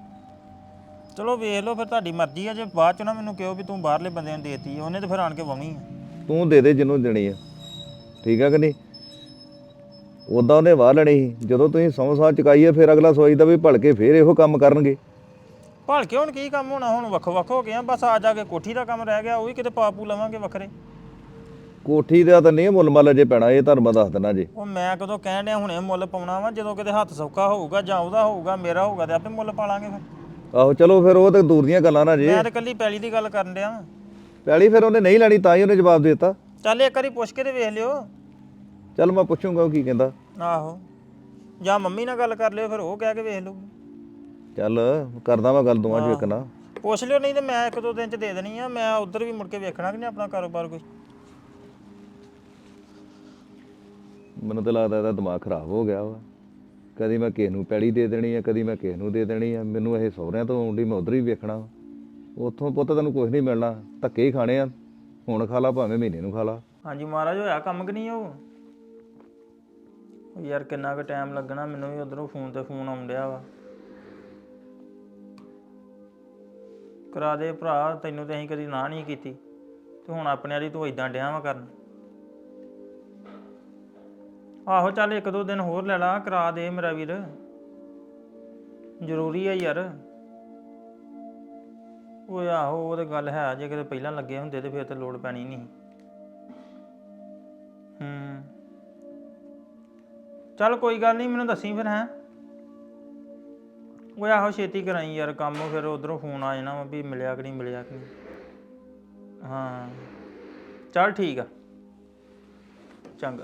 Speaker 1: ਚਲੋ ਵੇਖ ਲਓ ਫਿਰ, ਤੁਹਾਡੀ ਮਰਜ਼ੀ ਆ। ਜੇ ਬਾਅਦ ਚ ਨਾ ਮੈਨੂੰ ਕਿਹੋ ਵੀ ਤੂੰ ਬਾਹਰਲੇ ਬੰਦਿਆਂ ਨੂੰ ਦੇਤੀ, ਉਹਨੇ ਤੇ ਫਿਰ ਆਣ ਕੇ ਵਾਉਣੀ ਆ।
Speaker 7: ਤੂੰ ਦੇ ਦੇ ਜਿਹਨੂੰ ਦੇਣੀ ਆ, ਠੀਕ ਆ ਕਿ ਨਹੀਂ? ਉੱਦਾਂ ਉਹਨੇ ਵਾਹ ਲੈਣੀ ਸੀ। ਜਦੋਂ ਤੁਸੀਂ ਸੌ ਸਾਹ ਚੁਕਾਈ ਆ, ਫਿਰ ਅਗਲਾ ਸੋਚਦਾ ਵੀ ਭਲਕੇ ਫੇਰ ਇਹੋ ਕੰਮ ਕਰਨਗੇ।
Speaker 1: ਭਲ ਕੇ ਹੁਣ ਕੀ ਕੰਮ ਹੋਣਾ? ਹੁਣ ਵੱਖੋ ਵੱਖ ਹੋ ਗਏ ਆ। ਬਸ ਆ ਜਾ ਕੇ ਕੋਠੀ ਦਾ ਕੰਮ ਰਹਿ ਗਿਆ, ਉਹ ਵੀ ਕਿਤੇ ਪਾਪੂ ਲਵਾਂਗੇ ਵੱਖਰੇ।
Speaker 7: ਕੋਠੀ ਦਾ ਤਾਂ ਨਹੀਂ ਮੁੱਲ ਮੱਲ ਜੇ ਪੈਣਾ, ਇਹ ਤੁਹਾਨੂੰ ਮੈਂ ਦੱਸ ਦਿੰਦਾ ਜੀ।
Speaker 1: ਉਹ ਮੈਂ ਕਦੋਂ ਕਹਿਣ ਡਿਆ ਹੁਣੇ ਮੁੱਲ ਪਾਉਣਾ ਵਾ? ਜਦੋਂ ਕਿਤੇ ਹੱਥ ਸੌਖਾ ਹੋਊਗਾ ਜਾਂ ਉਹਦਾ ਹੋਊਗਾ ਮੇਰਾ ਹੋਊਗਾ ਤੇ ਆਪੇ ਮੁੱਲ ਪਾ ਲਾਂਗੇ ਫਿਰ।
Speaker 7: ਆਹੋ ਚਲੋ ਫਿਰ, ਉਹ ਤਾਂ ਦੂਰ ਦੀਆਂ ਗੱਲਾਂ ਨਾ ਜੇ।
Speaker 1: ਮੈਂ ਤੇ ਕੱਲੀ ਪੈਲੀ ਦੀ ਗੱਲ ਕਰਨ ਡਿਆ ਵਾਂ।
Speaker 7: ਪੈਲੀ ਫਿਰ ਉਹਨੇ ਨਹੀਂ ਲੈਣੀ, ਤਾਂ ਹੀ ਉਹਨੇ ਜਵਾਬ ਦੇ ਦਿੱਤਾ।
Speaker 1: ਚੱਲ ਇੱਕ ਵਾਰੀ ਪੁੱਛ ਕੇ ਤੇ ਵੇਖ ਲਿਓ।
Speaker 7: ਚੱਲ ਮੈਂ ਪੁੱਛੂੰਗਾ ਉਹ ਕੀ ਕਹਿੰਦਾ।
Speaker 1: ਆਹੋ ਜਾਂ ਮੰਮੀ ਨਾਲ ਗੱਲ ਕਰ ਲਿਓ, ਫਿਰ ਉਹ ਕਹਿ ਕੇ ਵੇਖ ਲਓ।
Speaker 7: ਚੱਲ ਕਰਦਾ ਮੈਂ ਗੱਲ ਦੋਵਾਂ ਚ ਇੱਕ ਨਾ।
Speaker 1: ਪੁੱਛ ਲਿਓ, ਨਹੀਂ ਤੇ ਮੈਂ ਇੱਕ ਦੋ ਦਿਨ ਚ ਦੇ ਦੇਣੀ ਆ। ਮੈਂ ਉਧਰ ਵੀ ਮੁੜ ਕੇ ਵੇਖਣਾ ਕਿ ਨਹੀਂ ਆਪਣਾ ਕਾਰੋਬਾਰ ਕੋਈ।
Speaker 7: ਮੈਨੂੰ ਤਾਂ ਲੱਗਦਾ ਇਹਦਾ ਦਿਮਾਗ ਖਰਾਬ ਹੋ ਗਿਆ ਵਾ। ਕਦੀ ਮੈਂ ਕਿਸੇ ਨੂੰ ਪੈਲੀ ਦੇ ਦੇਣੀ ਆ, ਕਦੀ ਮੈਂ ਕਿਸੇ ਨੂੰ ਦੇ ਦੇਣੀ ਆ। ਮੈਨੂੰ ਇਹ ਸਹੁਰਿਆਂ ਤੋਂ ਆਉਂਦੀ, ਮੈਂ ਉਧਰ ਵੀ ਵੇਖਣਾ ਵਾ। ਉੱਥੋਂ ਪੁੱਤ ਤੈਨੂੰ ਕੁਝ ਨਹੀਂ ਮਿਲਣਾ, ਧੱਕੇ ਹੀ ਖਾਣੇ ਆ। ਹੁਣ ਖਾ ਲਾ ਭਾਵੇਂ ਮਹੀਨੇ ਨੂੰ ਖਾ ਲਾ।
Speaker 1: ਹਾਂਜੀ ਮਹਾਰਾਜ, ਹੋਇਆ ਕੰਮ ਕਿ ਨਹੀਂ? ਉਹ ਉਹ ਯਾਰ ਕਿੰਨਾ ਕੁ ਟਾਈਮ ਲੱਗਣਾ? ਮੈਨੂੰ ਵੀ ਉਧਰੋਂ ਫੋਨ ਤੇ ਫੋਨ ਆਉਣ ਡਿਆ ਵਾ। ਕਰਾ ਦੇ ਭਰਾ, ਤੈਨੂੰ ਤੇ ਅਸੀਂ ਕਦੀ ਨਾ ਨਹੀਂ ਕੀਤੀ, ਤੇ ਹੁਣ ਆਪਣੇ ਵਾਲੀ ਤੂੰ ਇਦਾਂ ਡਿਆ ਵਾ ਕਰਨ। ਆਹੋ ਚੱਲ ਇੱਕ ਦੋ ਦਿਨ ਹੋਰ ਲੈ ਲਾ, ਕਰਾ ਦੇ ਮੇਰਾ ਵੀਰ, ਜ਼ਰੂਰੀ ਆ ਯਾਰ। ਓਏ ਆਹੋ ਉਹ ਤੇ ਗੱਲ ਹੈ, ਜੇ ਕਿਤੇ ਪਹਿਲਾਂ ਲੱਗੇ ਹੁੰਦੇ ਤੇ ਫਿਰ ਤੇ ਲੋੜ ਪੈਣੀ ਨਹੀਂ। ਹੂੰ ਚੱਲ ਕੋਈ ਗੱਲ ਨਹੀਂ, ਮੈਨੂੰ ਦੱਸੀ ਫਿਰ। ਹੈਂ ਓਏ ਆਹੋ ਛੇਤੀ ਕਰਾਈ ਯਾਰ ਕੰਮ, ਫਿਰ ਉਧਰੋਂ ਫੋਨ ਆ ਜਾਣਾ ਵਾ ਵੀ ਮਿਲਿਆ ਕਿ ਨਹੀਂ ਮਿਲਿਆ ਕਿ ਨਹੀਂ। ਹਾਂ ਚੱਲ ਠੀਕ ਆ, ਚੰਗਾ।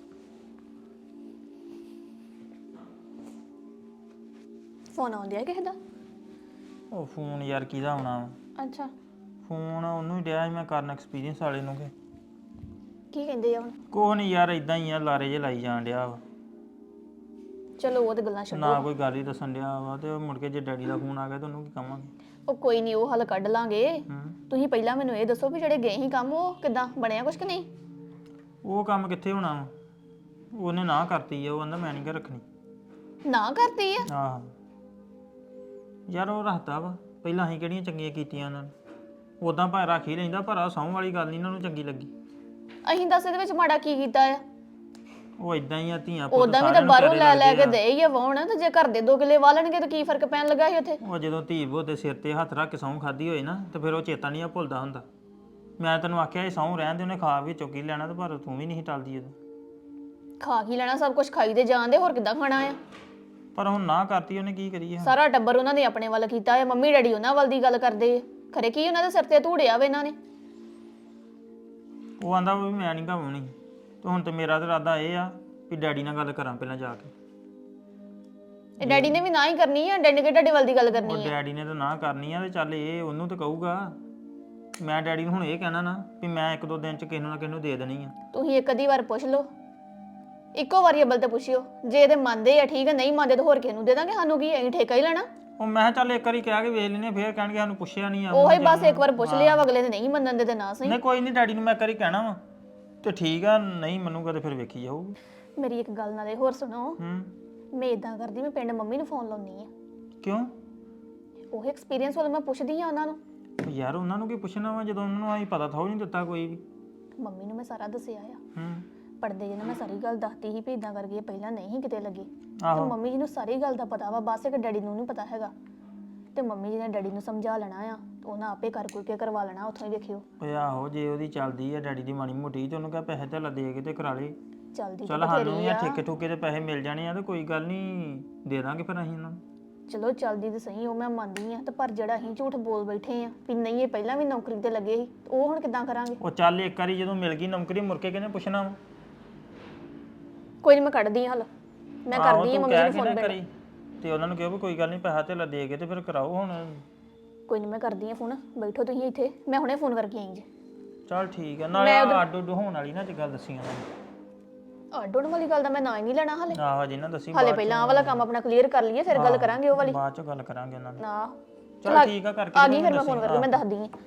Speaker 2: ਫੋਨ ਆਉਂਦਿਆ ਕਿਸੇ ਦਾ?
Speaker 1: ਉਹ ਫੋਨ ਯਾਰ ਕਿਹਦਾ ਆਉਣਾ ਵਾ?
Speaker 2: ਅੱਛਾ,
Speaker 1: ਫੋਨ ਉਹਨੂੰ ਹੀ ਡਿਆ ਸੀ ਮੈਂ ਕਰਨ, ਐਕਸਪੀਰੀਅੰਸ ਵਾਲੇ ਨੂੰ। ਕਿ
Speaker 2: ਕੀ ਕਹਿੰਦੇ ਆ ਹੁਣ?
Speaker 1: ਕੋਹ ਨਹੀਂ ਯਾਰ, ਇਦਾਂ ਹੀ ਆ, ਲਾਰੇ ਜੇ ਲਾਈ ਜਾਣ ਡਿਆ ਵਾ।
Speaker 2: ਚਲੋ ਉਹ ਤੇ ਗੱਲਾਂ ਛੱਡੋ।
Speaker 1: ਨਾ ਕੋਈ ਗੱਲ ਹੀ ਦੱਸਣ ਡਿਆ ਵਾ, ਤੇ ਉਹ ਮੁੜ ਕੇ ਜੇ ਡੈਡੀ ਦਾ ਫੋਨ ਆ ਗਿਆ ਤਾਂ ਉਹਨੂੰ ਕੀ ਕਵਾਂਗੇ?
Speaker 2: ਉਹ ਕੋਈ ਨਹੀਂ, ਉਹ ਹੱਲ ਕੱਢ ਲਾਂਗੇ।
Speaker 1: ਹੂੰ
Speaker 2: ਤੁਸੀਂ ਪਹਿਲਾਂ ਮੈਨੂੰ ਇਹ ਦੱਸੋ ਵੀ ਜਿਹੜੇ ਗਏ ਸੀ ਕੰਮ, ਉਹ ਕਿਦਾਂ ਬਣਿਆ ਕੁਛ ਕਿ ਨਹੀਂ?
Speaker 1: ਉਹ ਕੰਮ ਕਿੱਥੇ ਹੋਣਾ ਵਾ, ਉਹਨੇ ਨਾ ਕਰਤੀ ਆ, ਉਹ ਕਹਿੰਦਾ ਮੈਂ ਨਹੀਂ ਘਰ ਰੱਖਣੀ।
Speaker 2: ਨਾ ਕਰਤੀ ਆ?
Speaker 1: ਆਹ ਯਾਰ ਉਹ ਰੱਖਦਾ ਵਾ, ਪਹਿਲਾਂ ਅਸੀਂ ਕਿਹੜੀਆਂ ਚੰਗੀਆਂ ਕੀਤੀਆਂ ਉਹਨਾਂ ਨੇ, ਉਦਾਂ ਭਾਵੇਂ ਰੱਖ ਹੀ ਲੈਂਦਾ, ਪਰ ਆ ਸਹੁੰ ਵਾਲੀ ਗੱਲ ਨਹੀਂ ਇਹਨਾਂ ਨੂੰ ਚੰਗੀ ਲੱਗੀ।
Speaker 2: ਅਸੀਂ ਦੱਸ ਇਹਦੇ ਵਿੱਚ ਮਾੜਾ ਕੀ ਕੀਤਾ ਆ?
Speaker 1: ਉਹ ਇਦਾਂ ਹੀ ਆ, ਧੀਆਂ ਪੁੱਤ
Speaker 2: ਉਦਾਂ ਵੀ ਤਾਂ
Speaker 1: ਸਾਰਿਆਂ ਨੂੰ
Speaker 2: ਬਾਹਰੋਂ
Speaker 1: ਪਿਆਰੇ
Speaker 2: ਲੈ ਲੈ
Speaker 1: ਲੱਗਦੇ
Speaker 2: ਕੇ ਦੇ ਹੀ ਆ ਵਾਉਣ, ਤੇ ਜੇ ਘਰ ਦੇ ਦੋ ਕਿਲੇ ਵਾਲਣਗੇ ਤਾਂ ਕੀ ਫਰਕ ਪੈਣ ਲੱਗਾ ਸੀ ਉੱਥੇ?
Speaker 1: ਉਹ ਜਦੋਂ ਧੀ ਬੋ ਦੇ ਸਿਰ ਤੇ ਹੱਥ ਰੱਖ ਕੇ ਸਹੁੰ ਖਾਦੀ ਹੋਏ ਨਾ, ਤੇ ਫਿਰ ਉਹ ਚੇਤਾ ਨਹੀਂ ਆ ਭੁੱਲਦਾ ਹੁੰਦਾ। ਮੈਂ ਤੈਨੂੰ ਆਖਿਆ ਇਹ ਸਹੁੰ ਰਹਿਣ ਦੇ, ਉਹਨੇ ਖਾ ਵੀ ਚੁੱਕੀ ਲੈਣਾ, ਤੇ ਪਰ ਤੂੰ ਵੀ ਨਹੀਂ ਟਲਦੀ ਉਦੋਂ।
Speaker 2: ਖਾ ਕੀ ਲੈਣਾ, ਸਭ ਕੁਝ ਖਾਈ ਦੇ ਜਾਂਦੇ, ਹੋਰ ਕਿੱਦਾਂ ਖਾਣਾ ਆ?
Speaker 1: ਪਰ ਹੁਣ ਨਾ ਕਰਤੀ, ਉਹਨੇ ਕੀ ਕਰੀਏ?
Speaker 2: ਸਾਰਾ ਟੱਬਰ ਉਹਨਾਂ ਨੇ ਆਪਣੇ ਵੱਲ ਕੀਤਾ ਆ, ਮੰਮੀ ਡੈਡੀ ਉਹਨਾਂ ਵੱਲ ਦੀ ਗੱਲ ਕਰਦੇ ਆ। ਖਰੇ ਕੀ ਉਹਨਾਂ ਦੇ ਸਿਰ ਤੇ ਧੂੜਿਆ ਵੇ ਇਹਨਾਂ ਨੇ?
Speaker 1: ਉਹ ਆਂਦਾ ਵੀ ਮੈਂ ਨਹੀਂ ਘਾਉਣੀ, ਤੇ ਹੁਣ ਤੇ ਮੇਰਾ ਤੇ ਇਰਾਦਾ ਇਹ ਆ ਵੀ ਡੈਡੀ ਨਾਲ ਗੱਲ ਕਰਾਂ ਪਹਿਲਾਂ ਜਾ ਕੇ।
Speaker 2: ਇਹ ਡੈਡੀ ਨੇ ਵੀ ਨਾ ਹੀ ਕਰਨੀ ਆ, ਡੈਡੀ ਕੇ ਡੈਡੀ ਵੱਲ ਦੀ ਗੱਲ ਕਰਨੀ
Speaker 1: ਉਹ
Speaker 2: ਆ।
Speaker 1: ਡੈਡੀ ਨੇ ਤਾਂ ਨਾ ਕਰਨੀ ਆ, ਤੇ ਚੱਲ ਇਹ ਉਹਨੂੰ ਤਾਂ ਕਹੂਗਾ। ਮੈਂ ਡੈਡੀ ਨੂੰ ਹੁਣ ਇਹ ਕਹਿਣਾ ਨਾ ਵੀ ਮੈਂ ਇੱਕ ਦੋ ਦਿਨ ਚ ਕਿਸੇ ਨੂੰ ਨਾ ਕਿਸੇ ਨੂੰ ਦੇ ਦੇਣੀ ਆ।
Speaker 2: ਤੁਸੀਂ ਇੱਕ ਅੱਧੀ ਵਾਰ ਪੁੱਛ ਲਓ, ਇੱਕੋ ਵਾਰੀ ਅਬਲ ਤੇ ਪੁੱਛਿਓ, ਜੇ ਇਹਦੇ ਮੰਨਦੇ ਆ ਠੀਕ ਆ, ਨਹੀਂ ਮੰਨਦੇ ਤਾਂ ਹੋਰ ਕਿਸੇ ਨੂੰ ਦੇ ਦਾਂਗੇ, ਸਾਨੂੰ ਕੀ ਅਸੀਂ ਠੇਕਾ ਹੀ ਲੈਣਾ।
Speaker 1: ਉਹ ਮੈਂ ਕਿਹਾ ਚੱਲ ਇੱਕ ਵਾਰੀ ਕਹਿ ਕੇ ਵੇਖ ਲੈਨੇ, ਫੇਰ ਕਹਿਣਗੇ ਸਾਨੂੰ ਪੁੱਛਿਆ ਨਹੀਂ ਆ।
Speaker 2: ਉਹੀ ਬਸ ਇੱਕ ਵਾਰ ਪੁੱਛ ਲਿਆ, ਅਗਲੇ ਨੇ ਨਹੀਂ ਮੰਨਣ ਦੇ ਤੇ ਨਾ ਸਹੀ।
Speaker 1: ਨਹੀਂ ਕੋਈ ਨਹੀਂ, ਡੈਡੀ ਨੂੰ ਮੈਂ ਇੱਕ ਵਾਰੀ ਕਹਿਣਾ ਵਾ, ਤੇ ਠੀਕ ਆ, ਨਹੀਂ ਮੰਨੂਗਾ ਤੇ ਫਿਰ ਵੇਖੀ ਜਾਊਗੀ।
Speaker 2: ਮੇਰੀ ਇੱਕ ਗੱਲ ਨਾਲੇ ਹੋਰ ਸੁਣੋ,
Speaker 1: ਹੂੰ
Speaker 2: ਮੈਂ ਇਦਾਂ ਕਰਦੀ, ਮੈਂ ਪਿੰਡ ਮੰਮੀ ਨੂੰ ਫੋਨ ਲਾਉਣੀ ਆ।
Speaker 1: ਕਿਉਂ?
Speaker 2: ਉਹ ਐਕਸਪੀਰੀਅੰਸ ਵੱਲ ਮੈਂ ਪੁੱਛਦੀ ਆ ਉਹਨਾਂ ਨੂੰ।
Speaker 1: ਉਹ ਯਾਰ ਉਹਨਾਂ ਨੂੰ ਕੀ ਪੁੱਛਣਾ ਵਾ, ਜਦੋਂ ਉਹਨਾਂ ਨੂੰ ਆਈ ਪਤਾ ਥੋੜੀ ਨਹੀਂ ਦਿੱਤਾ ਕੋਈ ਵੀ।
Speaker 2: ਮੰਮੀ ਨੂੰ ਮੈਂ ਸਾਰਾ ਦੱਸਿਆ ਆ,
Speaker 1: ਹੂੰ
Speaker 2: ਪੜਦੇ ਜਿਹਨਾਂ ਮੈਂ ਸਾਰੀ ਗੱਲ ਦੱਸਤੀ ਸੀ ਵੀ ਇਦਾਂ ਕਰਕੇ ਪਹਿਲਾਂ ਨਹੀਂ ਕਿਤੇ ਲੱਗੇ, ਤੇ
Speaker 1: ਆਹੋ
Speaker 2: ਮੰਮੀ ਜੀ ਨੂੰ ਸਾਰੀ ਗੱਲ ਦਾ ਪਤਾ ਵਾ, ਬਸ ਇੱਕ ਡੈਡੀ ਨੂੰ ਨਹੀਂ ਪਤਾ ਹੈਗਾ। ਤੇ ਮੰਮੀ ਜੀ ਨੇ ਡੈਡੀ ਨੂੰ ਸਮਝਾ ਲੈਣਾ ਆ, ਤੇ ਉਹਨਾਂ ਆਪੇ ਕਰ ਕੁਰ ਕੇ ਕਰਵਾ ਲੈਣਾ, ਉੱਥੋਂ ਹੀ ਵੇਖਿਓ।
Speaker 1: ਓਏ ਆਹੋ, ਜੇ ਉਹਦੀ ਚੱਲਦੀ ਆ ਡੈਡੀ ਦੀ ਮਾੜੀ ਮੋਟੀ, ਤੇ ਉਹਨੂੰ ਕਹ ਪੈਸੇ ਧੇਲਾ ਦੇ ਕੇ ਤੇ ਕਰਾ ਲੇ।
Speaker 2: ਚੱਲਦੀ
Speaker 1: ਚੱਲ ਸਾਨੂੰ ਜਾਂ ਠੇਕੇ ਠੁਕੇ ਤੇ ਪੈਸੇ ਮਿਲ ਜਾਣੇ ਆ, ਤੇ ਕੋਈ ਗੱਲ ਨਹੀਂ, ਦੇ ਦਾਂਗੇ ਫਿਰ ਅਸੀਂ ਇਹਨਾਂ ਨੂੰ।
Speaker 2: ਚਲੋ ਚੱਲਦੀ ਤੇ ਸਹੀ, ਉਹ ਮੈਂ ਮੰਨਦੀ ਆ, ਤੇ ਪਰ ਜਿਹੜਾ ਅਸੀਂ ਝੂਠ ਬੋਲ ਬੈਠੇ ਆ ਵੀ ਨਹੀਂ ਇਹ ਪਹਿਲਾਂ ਵੀ ਨੌਕਰੀ ਤੇ ਲੱਗੇ ਸੀ, ਉਹ ਹੁਣ ਕਿੱਦਾਂ ਕਰਾਂਗੇ?
Speaker 1: ਉਹ ਚੱਲ ਇੱਕ ਵਾਰੀ ਜਦੋਂ ਮਿਲ ਗਈ ਨੌਕਰੀ, ਮੁੜ ਕੇ ਕਿਹਨੇ ਪੁੱਛਣਾ ਵਾ?
Speaker 2: ਕੋਈ ਨਹੀਂ, ਮੈਂ ਕੱਢਦੀ ਆ ਹੱਲ, ਮੈਂ ਕਰਦੀ ਆ ਮੰਮੀ ਨੂੰ ਫੋਨ
Speaker 1: ਕਰੀ, ਤੇ ਉਹਨਾਂ ਨੂੰ ਕਿਹਾ ਵੀ ਕੋਈ ਗੱਲ ਨਹੀਂ, ਪੈਸਾ ਧੇਲਾ ਦੇ ਕੇ ਤੇ ਫਿਰ ਕਰਾਓ ਹੁਣ।
Speaker 2: ਕੋਈ ਨਹੀਂ, ਮੈਂ ਕਰਦੀ ਆ ਫੋਨ, ਬੈਠੋ ਤੁਸੀਂ ਇੱਥੇ, ਮੈਂ ਹੁਣੇ ਫੋਨ ਕਰਕੇ ਆਈ ਜੀ।
Speaker 1: ਚੱਲ ਠੀਕ ਆ, ਨਾਲੇ ਅੱਡ ਉੱਡ ਹੋਣ ਵਾਲੀ ਨਾ ਅੱਜ ਗੱਲ ਦੱਸੀ ਉਹਨਾਂ ਨੇ।
Speaker 2: ਅੱਡ ਹੋਣ ਵਾਲੀ ਗੱਲ ਦਾ ਮੈਂ ਨਾ ਹੀ ਨਹੀਂ ਲੈਣਾ ਹਾਲੇ।
Speaker 1: ਆਹੋ ਜੀ ਨਾ ਦੱਸੀ,
Speaker 2: ਹਾਲੇ ਪਹਿਲਾਂ ਆਹ ਵਾਲਾ ਕੰਮ ਆਪਣਾ ਕਲੀਅਰ ਕਰ ਲਈਏ, ਫਿਰ ਗੱਲ ਕਰਾਂਗੇ ਉਹ ਵਾਲੀ।
Speaker 1: ਬਾਅਦ ਚ ਗੱਲ ਕਰਾਂਗੇ ਉਹਨਾਂ ਨਾਲ।
Speaker 2: ਨਾ
Speaker 1: ਚਲ ਠੀਕ ਆ, ਕਰਕੇ
Speaker 2: ਆ ਗਈ ਫਿਰ ਮੈਂ ਫੋਨ ਕਰਕੇ ਮੈਂ ਦੱਸਦੀ ਆ।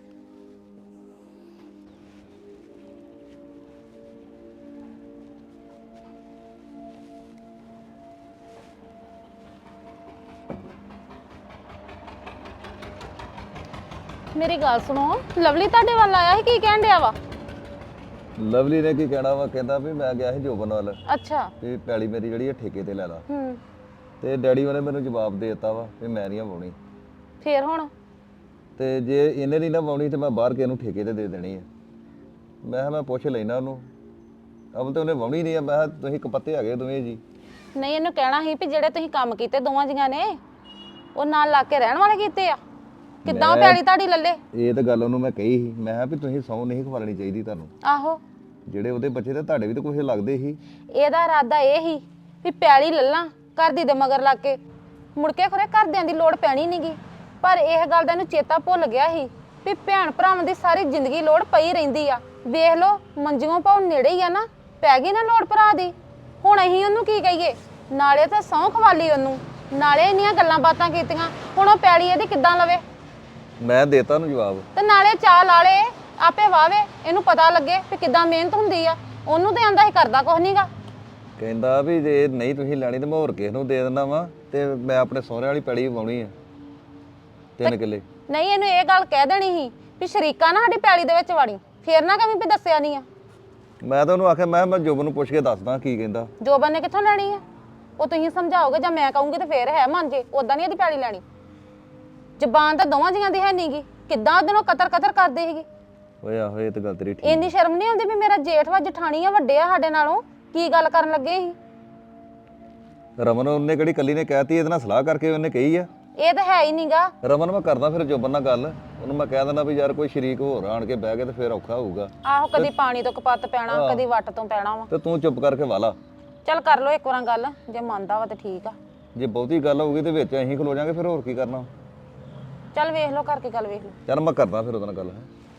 Speaker 6: ਮੇਰੀ ਗੱਲ ਸੁਣੋ, ਲਵਲੀ ਤੁਹਾਡੇ ਵੱਲ ਆਇਆ ਸੀ, ਕੀ ਕਹਿਣ ਡਿਆ ਵਾ?
Speaker 7: ਲਵਲੀ ਨੇ ਕੀ ਕਹਿਣਾ ਵਾ, ਕਹਿੰਦਾ ਵੀ ਮੈਂ ਗਿਆ ਸੀ ਜੋਬਨ ਵੱਲ
Speaker 6: ਅੱਛਾ।
Speaker 7: ਵੀ ਪੈਲੀ ਮੇਰੀ ਜਿਹੜੀ ਆ ਠੇਕੇ ਤੇ ਲੈ ਲਾ,
Speaker 6: ਹੂੰ
Speaker 7: ਤੇ ਡੈਡੀ ਉਹਨੇ ਮੈਨੂੰ ਜਵਾਬ ਦੇ ਦਿੱਤਾ ਵਾ ਵੀ ਮੈਂ ਨਹੀਂ ਵਾਉਣੀ,
Speaker 6: ਫੇਰ ਹੁਣ?
Speaker 7: ਤੇ ਜੇ ਇਹਨੇ ਨਹੀਂ ਨਾ ਵਾਉਣੀ ਤੇ ਮੈਂ ਬਾਹਰ ਕਿਸੇ ਨੂੰ ਠੇਕੇ ਤੇ ਦੇ ਦੇਣੀ ਆ। ਮੈਂ ਕਿਹਾ ਮੈਂ ਪੁੱਛ ਲੈਣਾ ਉਹਨੂੰ, ਅਬਲ ਤੇ ਉਹਨੇ ਵਾਉਣੀ ਨਹੀਂ ਆ। ਮੈਂ ਕਿਹਾ ਤੁਸੀਂ ਕਪੱਤੇ ਹੈਗੇ ਦੋਵੇਂ ਜੀ।
Speaker 6: ਨਹੀਂ, ਇਹਨੂੰ ਕਹਿਣਾ ਸੀ ਵੀ ਜਿਹੜੇ ਤੁਸੀਂ ਕੰਮ ਕੀਤੇ ਦੋਵਾਂ ਜੀਆਂ ਨੇ, ਉਹ ਨਾਲ ਲਾ ਕੇ ਰਹਿਣ ਵਾਲੇ ਕੀਤੇ ਆ, ਕਿੱਦਾਂ ਉਹ ਪੈਲੀ ਤੁਹਾਡੀ ਲੱਲੇ?
Speaker 7: ਇਹ ਤਾਂ ਗੱਲ ਉਹਨੂੰ ਮੈਂ ਕਹੀ ਸੀ, ਮੈਂ ਕਿਹਾ ਵੀ ਤੁਸੀਂ ਸਹੁੰ ਨਹੀਂ ਖਵਾਲਣੀ ਚਾਹੀਦੀ ਤੁਹਾਨੂੰ,
Speaker 6: ਆਹੋ
Speaker 7: ਜਿਹੜੇ ਉਹਦੇ ਬੱਚੇ ਤੇ ਤੁਹਾਡੇ ਵੀ ਤਾਂ ਕੁਝ ਲੱਗਦੇ ਸੀ।
Speaker 6: ਇਹਦਾ ਇਰਾਦਾ ਇਹ ਸੀ ਵੀ ਪੈਲੀ ਲੱਲਾਂ ਘਰ ਦੀ ਦੇ ਮਗਰ ਲੱਗ ਕੇ, ਮੁੜ ਕੇ ਖਰੇ ਘਰਦਿਆਂ ਦੀ ਲੋੜ ਪੈਣੀ ਨਹੀਂਗੀ। ਪਰ ਇਹ ਗੱਲ ਦਾ ਇਹਨੂੰ ਚੇਤਾ ਭੁੱਲ ਗਿਆ ਸੀ ਵੀ ਭੈਣ ਭਰਾਵਾਂ ਦੀ ਸਾਰੀ ਜ਼ਿੰਦਗੀ ਲੋੜ ਪਈ ਰਹਿੰਦੀ ਆ। ਵੇਖ ਲਓ ਮੰਜੀਆਂ ਪਾਉ ਨੇੜੇ ਹੀ ਆ ਨਾ, ਪੈ ਗਈ ਨਾ ਲੋੜ ਭਰਾ ਦੀ। ਹੁਣ ਅਸੀਂ ਉਹਨੂੰ ਕੀ ਕਹੀਏ? ਨਾਲੇ ਤਾਂ ਸਹੁੰ ਖਵਾਲੀ ਉਹਨੂੰ, ਨਾਲੇ ਇੰਨੀਆਂ ਗੱਲਾਂ ਬਾਤਾਂ ਕੀਤੀਆਂ, ਹੁਣ ਉਹ ਪੈਲੀ ਇਹਦੀ ਕਿੱਦਾਂ ਲਵੇ?
Speaker 7: ਮੈਂ ਦੇਤਾ ਉਹਨੂੰ ਜਵਾਬ,
Speaker 6: ਤੇ ਨਾਲੇ ਚਾਹ ਲਾਲੇ ਆਪੇ ਵਾਵੇ, ਇਹਨੂੰ ਪਤਾ ਲੱਗੇ ਵੀ ਕਿੱਦਾਂ ਮਿਹਨਤ ਹੁੰਦੀ ਆ। ਉਹਨੂੰ ਤੇ ਆਂਦਾ ਸੀ ਕਰਦਾ ਕੁਛ ਨਹੀਂਗਾ।
Speaker 7: ਕਹਿੰਦਾ ਵੀ ਜੇ ਨਹੀਂ ਤੁਸੀਂ ਲੈਣੀ ਤੇ ਮੈਂ ਹੋਰ ਕਿਸੇ ਨੂੰ ਦੇ ਦਿੰਦਾ ਵਾ, ਤੇ ਮੈਂ ਆਪਣੇ ਸਹੁਰੇ ਵਾਲੀ ਪੈਲੀ ਵਾਉਣੀ ਆ ਤਿੰਨ ਕਿੱਲੇ।
Speaker 6: ਨਹੀਂ, ਇਹਨੂੰ ਇਹ ਗੱਲ ਕਹਿ ਦੇਣੀ ਸੀ ਵੀ ਸ਼ਰੀਕਾ ਨਾ ਸਾਡੀ ਪੈਲੀ ਦੇ ਵਿੱਚ ਵੜੀ, ਫੇਰ ਨਾ ਕਵੀਂ ਵੀ ਦੱਸਿਆ ਨਹੀਂ ਆ।
Speaker 7: ਮੈਂ ਤਾਂ ਉਹਨੂੰ ਆਖਿਆ ਮੈਂ ਮੈਂ ਜੋਬਨ ਨੂੰ ਪੁੱਛ ਕੇ ਦੱਸਦਾ ਕੀ ਕਹਿੰਦਾ।
Speaker 6: ਜੋਬਨ ਨੇ ਕਿੱਥੋਂ ਲੈਣੀ ਆ? ਉਹ ਤੁਸੀਂ ਸਮਝਾਓਗੇ ਜਾਂ ਮੈਂ ਕਹੂੰਗੀ ਤੇ ਫੇਰ ਹੈ ਮੰਨ ਜੇ। ਉਦਾਂ ਨਹੀਂ ਇਹਦੀ ਪੈਲੀ ਲੈਣੀ। ਜ਼ਬਾਨ ਤਾਂ ਦੋਵਾਂ ਜੀਆਂ ਦੀ ਹੈ ਨਹੀਂਗੀ। ਕਿੱਦਾਂ ਉਹਦੇ ਨੂੰ ਕਤਰ ਕਤਰ ਕਰਦੇ ਸੀਗੇ।
Speaker 7: ਓਏ ਆਹੋ ਇਹ ਤਾਂ ਗੱਲ ਤੇਰੀ ਠੀਕ।
Speaker 6: ਇੰਨੀ ਸ਼ਰਮ ਨਹੀਂ ਆਉਂਦੀ ਵੀ ਮੇਰਾ ਜੇਠ ਵਾ ਜਠਾਣੀ ਆ ਵੱਡੇ ਆ ਸਾਡੇ ਨਾਲੋਂ, ਕੀ ਗੱਲ ਕਰਨ ਲੱਗੇ ਸੀ?
Speaker 7: ਰਮਨ ਉਹਨੇ ਕਿਹੜੀ ਕੱਲੀ ਨੇ ਕਹਿਤੀ, ਇਹਦੇ ਨਾਲ ਸਲਾਹ ਕਰਕੇ ਉਹਨੇ ਕਹੀ ਆ।
Speaker 6: ਇਹ ਤਾਂ ਹੈ ਹੀ ਨਹੀਂਗਾ।
Speaker 7: ਰਮਨ ਮੈਂ ਕਰਦਾ ਫਿਰ ਜੋਬਨ ਨਾਲ ਗੱਲ, ਉਹਨੂੰ ਮੈਂ ਕਹਿ ਦਿੰਦਾ ਵੀ ਯਾਰ ਕੋਈ ਸ਼ਰੀਕ ਹੋਰ ਆਣ ਕੇ ਬਹਿ ਕੇ ਤੇ ਫਿਰ ਔਖਾ ਹੋਊਗਾ।
Speaker 6: ਆਹੋ ਕਦੀ ਪਾਣੀ ਤੋਂ ਕਪੱਤ ਪੈਣਾ, ਕਦੀ ਵੱਟ ਤੋਂ ਪੈਣਾ ਵਾ।
Speaker 7: ਤੇ ਤੂੰ ਚੁੱਪ ਕਰਕੇ ਵਾਲਾ।
Speaker 6: ਚੱਲ ਕਰ ਲੋ ਇੱਕ ਵਾਰ ਗੱਲ, ਜੇ ਮੰਨਦਾ ਵਾ ਤੇ ਠੀਕ ਆ।
Speaker 7: ਜੇ ਬਹੁਤੀ ਗੱਲ ਹੋਊਗੀ ਤੇ ਵਿੱਚ ਅਸੀਂ ਖਲੋ ਜਾਾਂਗੇ, ਫਿਰ ਹੋਰ ਕੀ ਕਰਨਾ।
Speaker 6: ਚੱਲ ਵੇਖ ਲਓ ਕਰਕੇ ਗੱਲ ਵੇਖ ਲਓ।
Speaker 7: ਚੱਲ ਮੈਂ ਕਰਦਾ ਫਿਰ ਉਹਦੇ ਨਾਲ ਗੱਲ।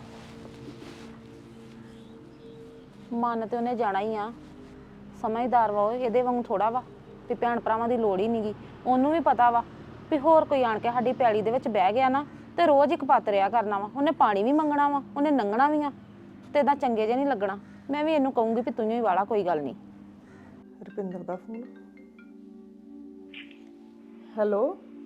Speaker 6: ਮਨ ਤੇ ਉਹਨੇ ਜਾਣਾ ਹੀ ਆ, ਸਮਝਦਾਰ ਵਾ ਉਹ। ਇਹਦੇ ਵਾਂਗੂ ਥੋੜਾ ਵਾ ਵੀ ਭੈਣ ਭਰਾਵਾਂ ਦੀ ਲੋੜ ਹੀ ਨਹੀਂਗੀ। ਉਹਨੂੰ ਵੀ ਪਤਾ ਵਾ ਵੀ ਹੋਰ ਕੋਈ ਆਣ ਕੇ ਸਾਡੀ ਪੈਲੀ ਦੇ ਵਿੱਚ ਬਹਿ ਗਿਆ ਨਾ ਤੇ ਰੋਜ਼ ਇੱਕ ਪੱਤ ਰਿਆ ਕਰਨਾ ਵਾ। ਉਹਨੇ ਪਾਣੀ ਵੀ ਮੰਗਣਾ ਵਾ, ਉਹਨੇ ਲੰਘਣਾ ਵੀ ਆ ਤੇ ਇਦਾਂ ਚੰਗੇ ਜੇ ਨਹੀਂ ਲੱਗਣਾ। ਮੈਂ ਵੀ ਇਹਨੂੰ ਕਹੂੰਗੀ ਵੀ ਤੂੰ ਹੀ ਵਾਲਾ ਕੋਈ ਗੱਲ ਨਹੀਂ।
Speaker 3: ਰੁਪਿੰਦਰ ਦਾ ਫੋਨ। ਹੈਲੋ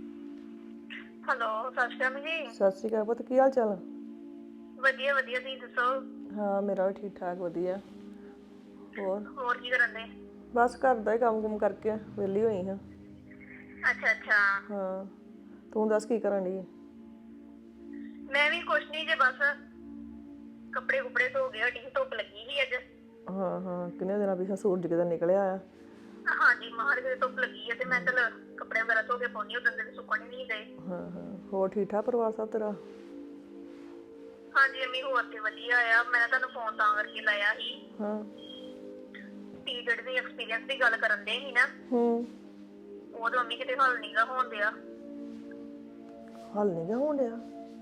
Speaker 8: ਹੈਲੋ, ਸਤਿ ਸ਼੍ਰੀ ਅਕਾਲ ਜੀ।
Speaker 3: ਸਤਿ ਸ਼੍ਰੀ ਅਕਾਲ ਪੁੱਤ, ਕੀ ਹਾਲ ਚਾਲ?
Speaker 8: ਵਧੀਆ ਵਧੀਆ, ਤੁਸੀਂ ਦੱਸੋ?
Speaker 3: ਹਾਂ ਮੇਰਾ ਵੀ ਠੀਕ ਠਾਕ ਵਧੀਆ। ਹੋਰ
Speaker 8: ਹੋਰ ਕੀ ਕਰਨ ਦੇ?
Speaker 3: ਬਸ ਘਰ ਦਾ ਹੀ ਕੰਮ ਕੁਮ ਕਰਕੇ ਵਿਹਲੀ ਹੋਈ ਹਾਂ।
Speaker 8: ਅੱਛਾ ਅੱਛਾ।
Speaker 3: ਹਾਂ ਤੂੰ ਦੱਸ ਕੀ ਕਰਨ ਡਈ?
Speaker 8: ਮੈਂ ਵੀ ਕੁਛ ਨਹੀਂ ਜੇ, ਬਸ ਕੱਪੜੇ ਕੁਪੜੇ ਧੋ ਗਏ, ਹਟੀ ਸੀ, ਧੁੱਪ ਲੱਗੀ ਸੀ ਅੱਜ।
Speaker 3: ਹਾਂ ਹਾਂ ਕਿੰਨੇ ਦਿਨਾਂ ਪਿੱਛੇ ਸੂਰਜ ਕਿਤੇ ਨਿਕਲਿਆ ਆ।
Speaker 8: ਹਾਂਜੀ, ਮਾਰ ਕੇ ਧੁੱਪ ਲੱਗੀ ਹੈ ਤੇ ਮੈਂ ਚਲ ਕੱਪੜੇ ਵਗੈਰਾ ਧੋ ਕੇ ਪਾਉਣੀ, ਉਦੋਂ ਦੇ ਸੁੱਕਣ ਹੀ ਨਹੀਂ ਗਏ।
Speaker 3: ਹਾਂ ਹਾਂ ਹੋਰ ਠੀਕ ਠਾਕ ਪਰਿਵਾਰ ਸਭ ਤੇਰਾ?
Speaker 8: ਹਾਂਜੀ ਅੰਮੀ, ਹੋਰ ਤੇ ਵਧੀਆ ਆ। ਮੈਂ ਤੁਹਾਨੂੰ ਫੋਨ ਤਾਂ ਕਰਕੇ ਲਾਇਆ ਸੀ,
Speaker 3: ਹਾਂ
Speaker 8: ਪੀਰੀਅਡ ਦੀ ਐਕਸਪੀਰੀਅੰਸ ਦੀ ਗੱਲ ਕਰਨ ਦੇ ਸੀ ਨਾ।
Speaker 3: ਹੂੰ
Speaker 8: ਉਹ ਤਾਂ ਅੰਮੀ ਕਿਤੇ ਹੱਲ ਨਹੀਂਗਾ ਹੋਣ ਦਿਆ।
Speaker 3: ਹੱਲ ਨਹੀਂ ਗਾ ਹੋਣ ਡਿਆ?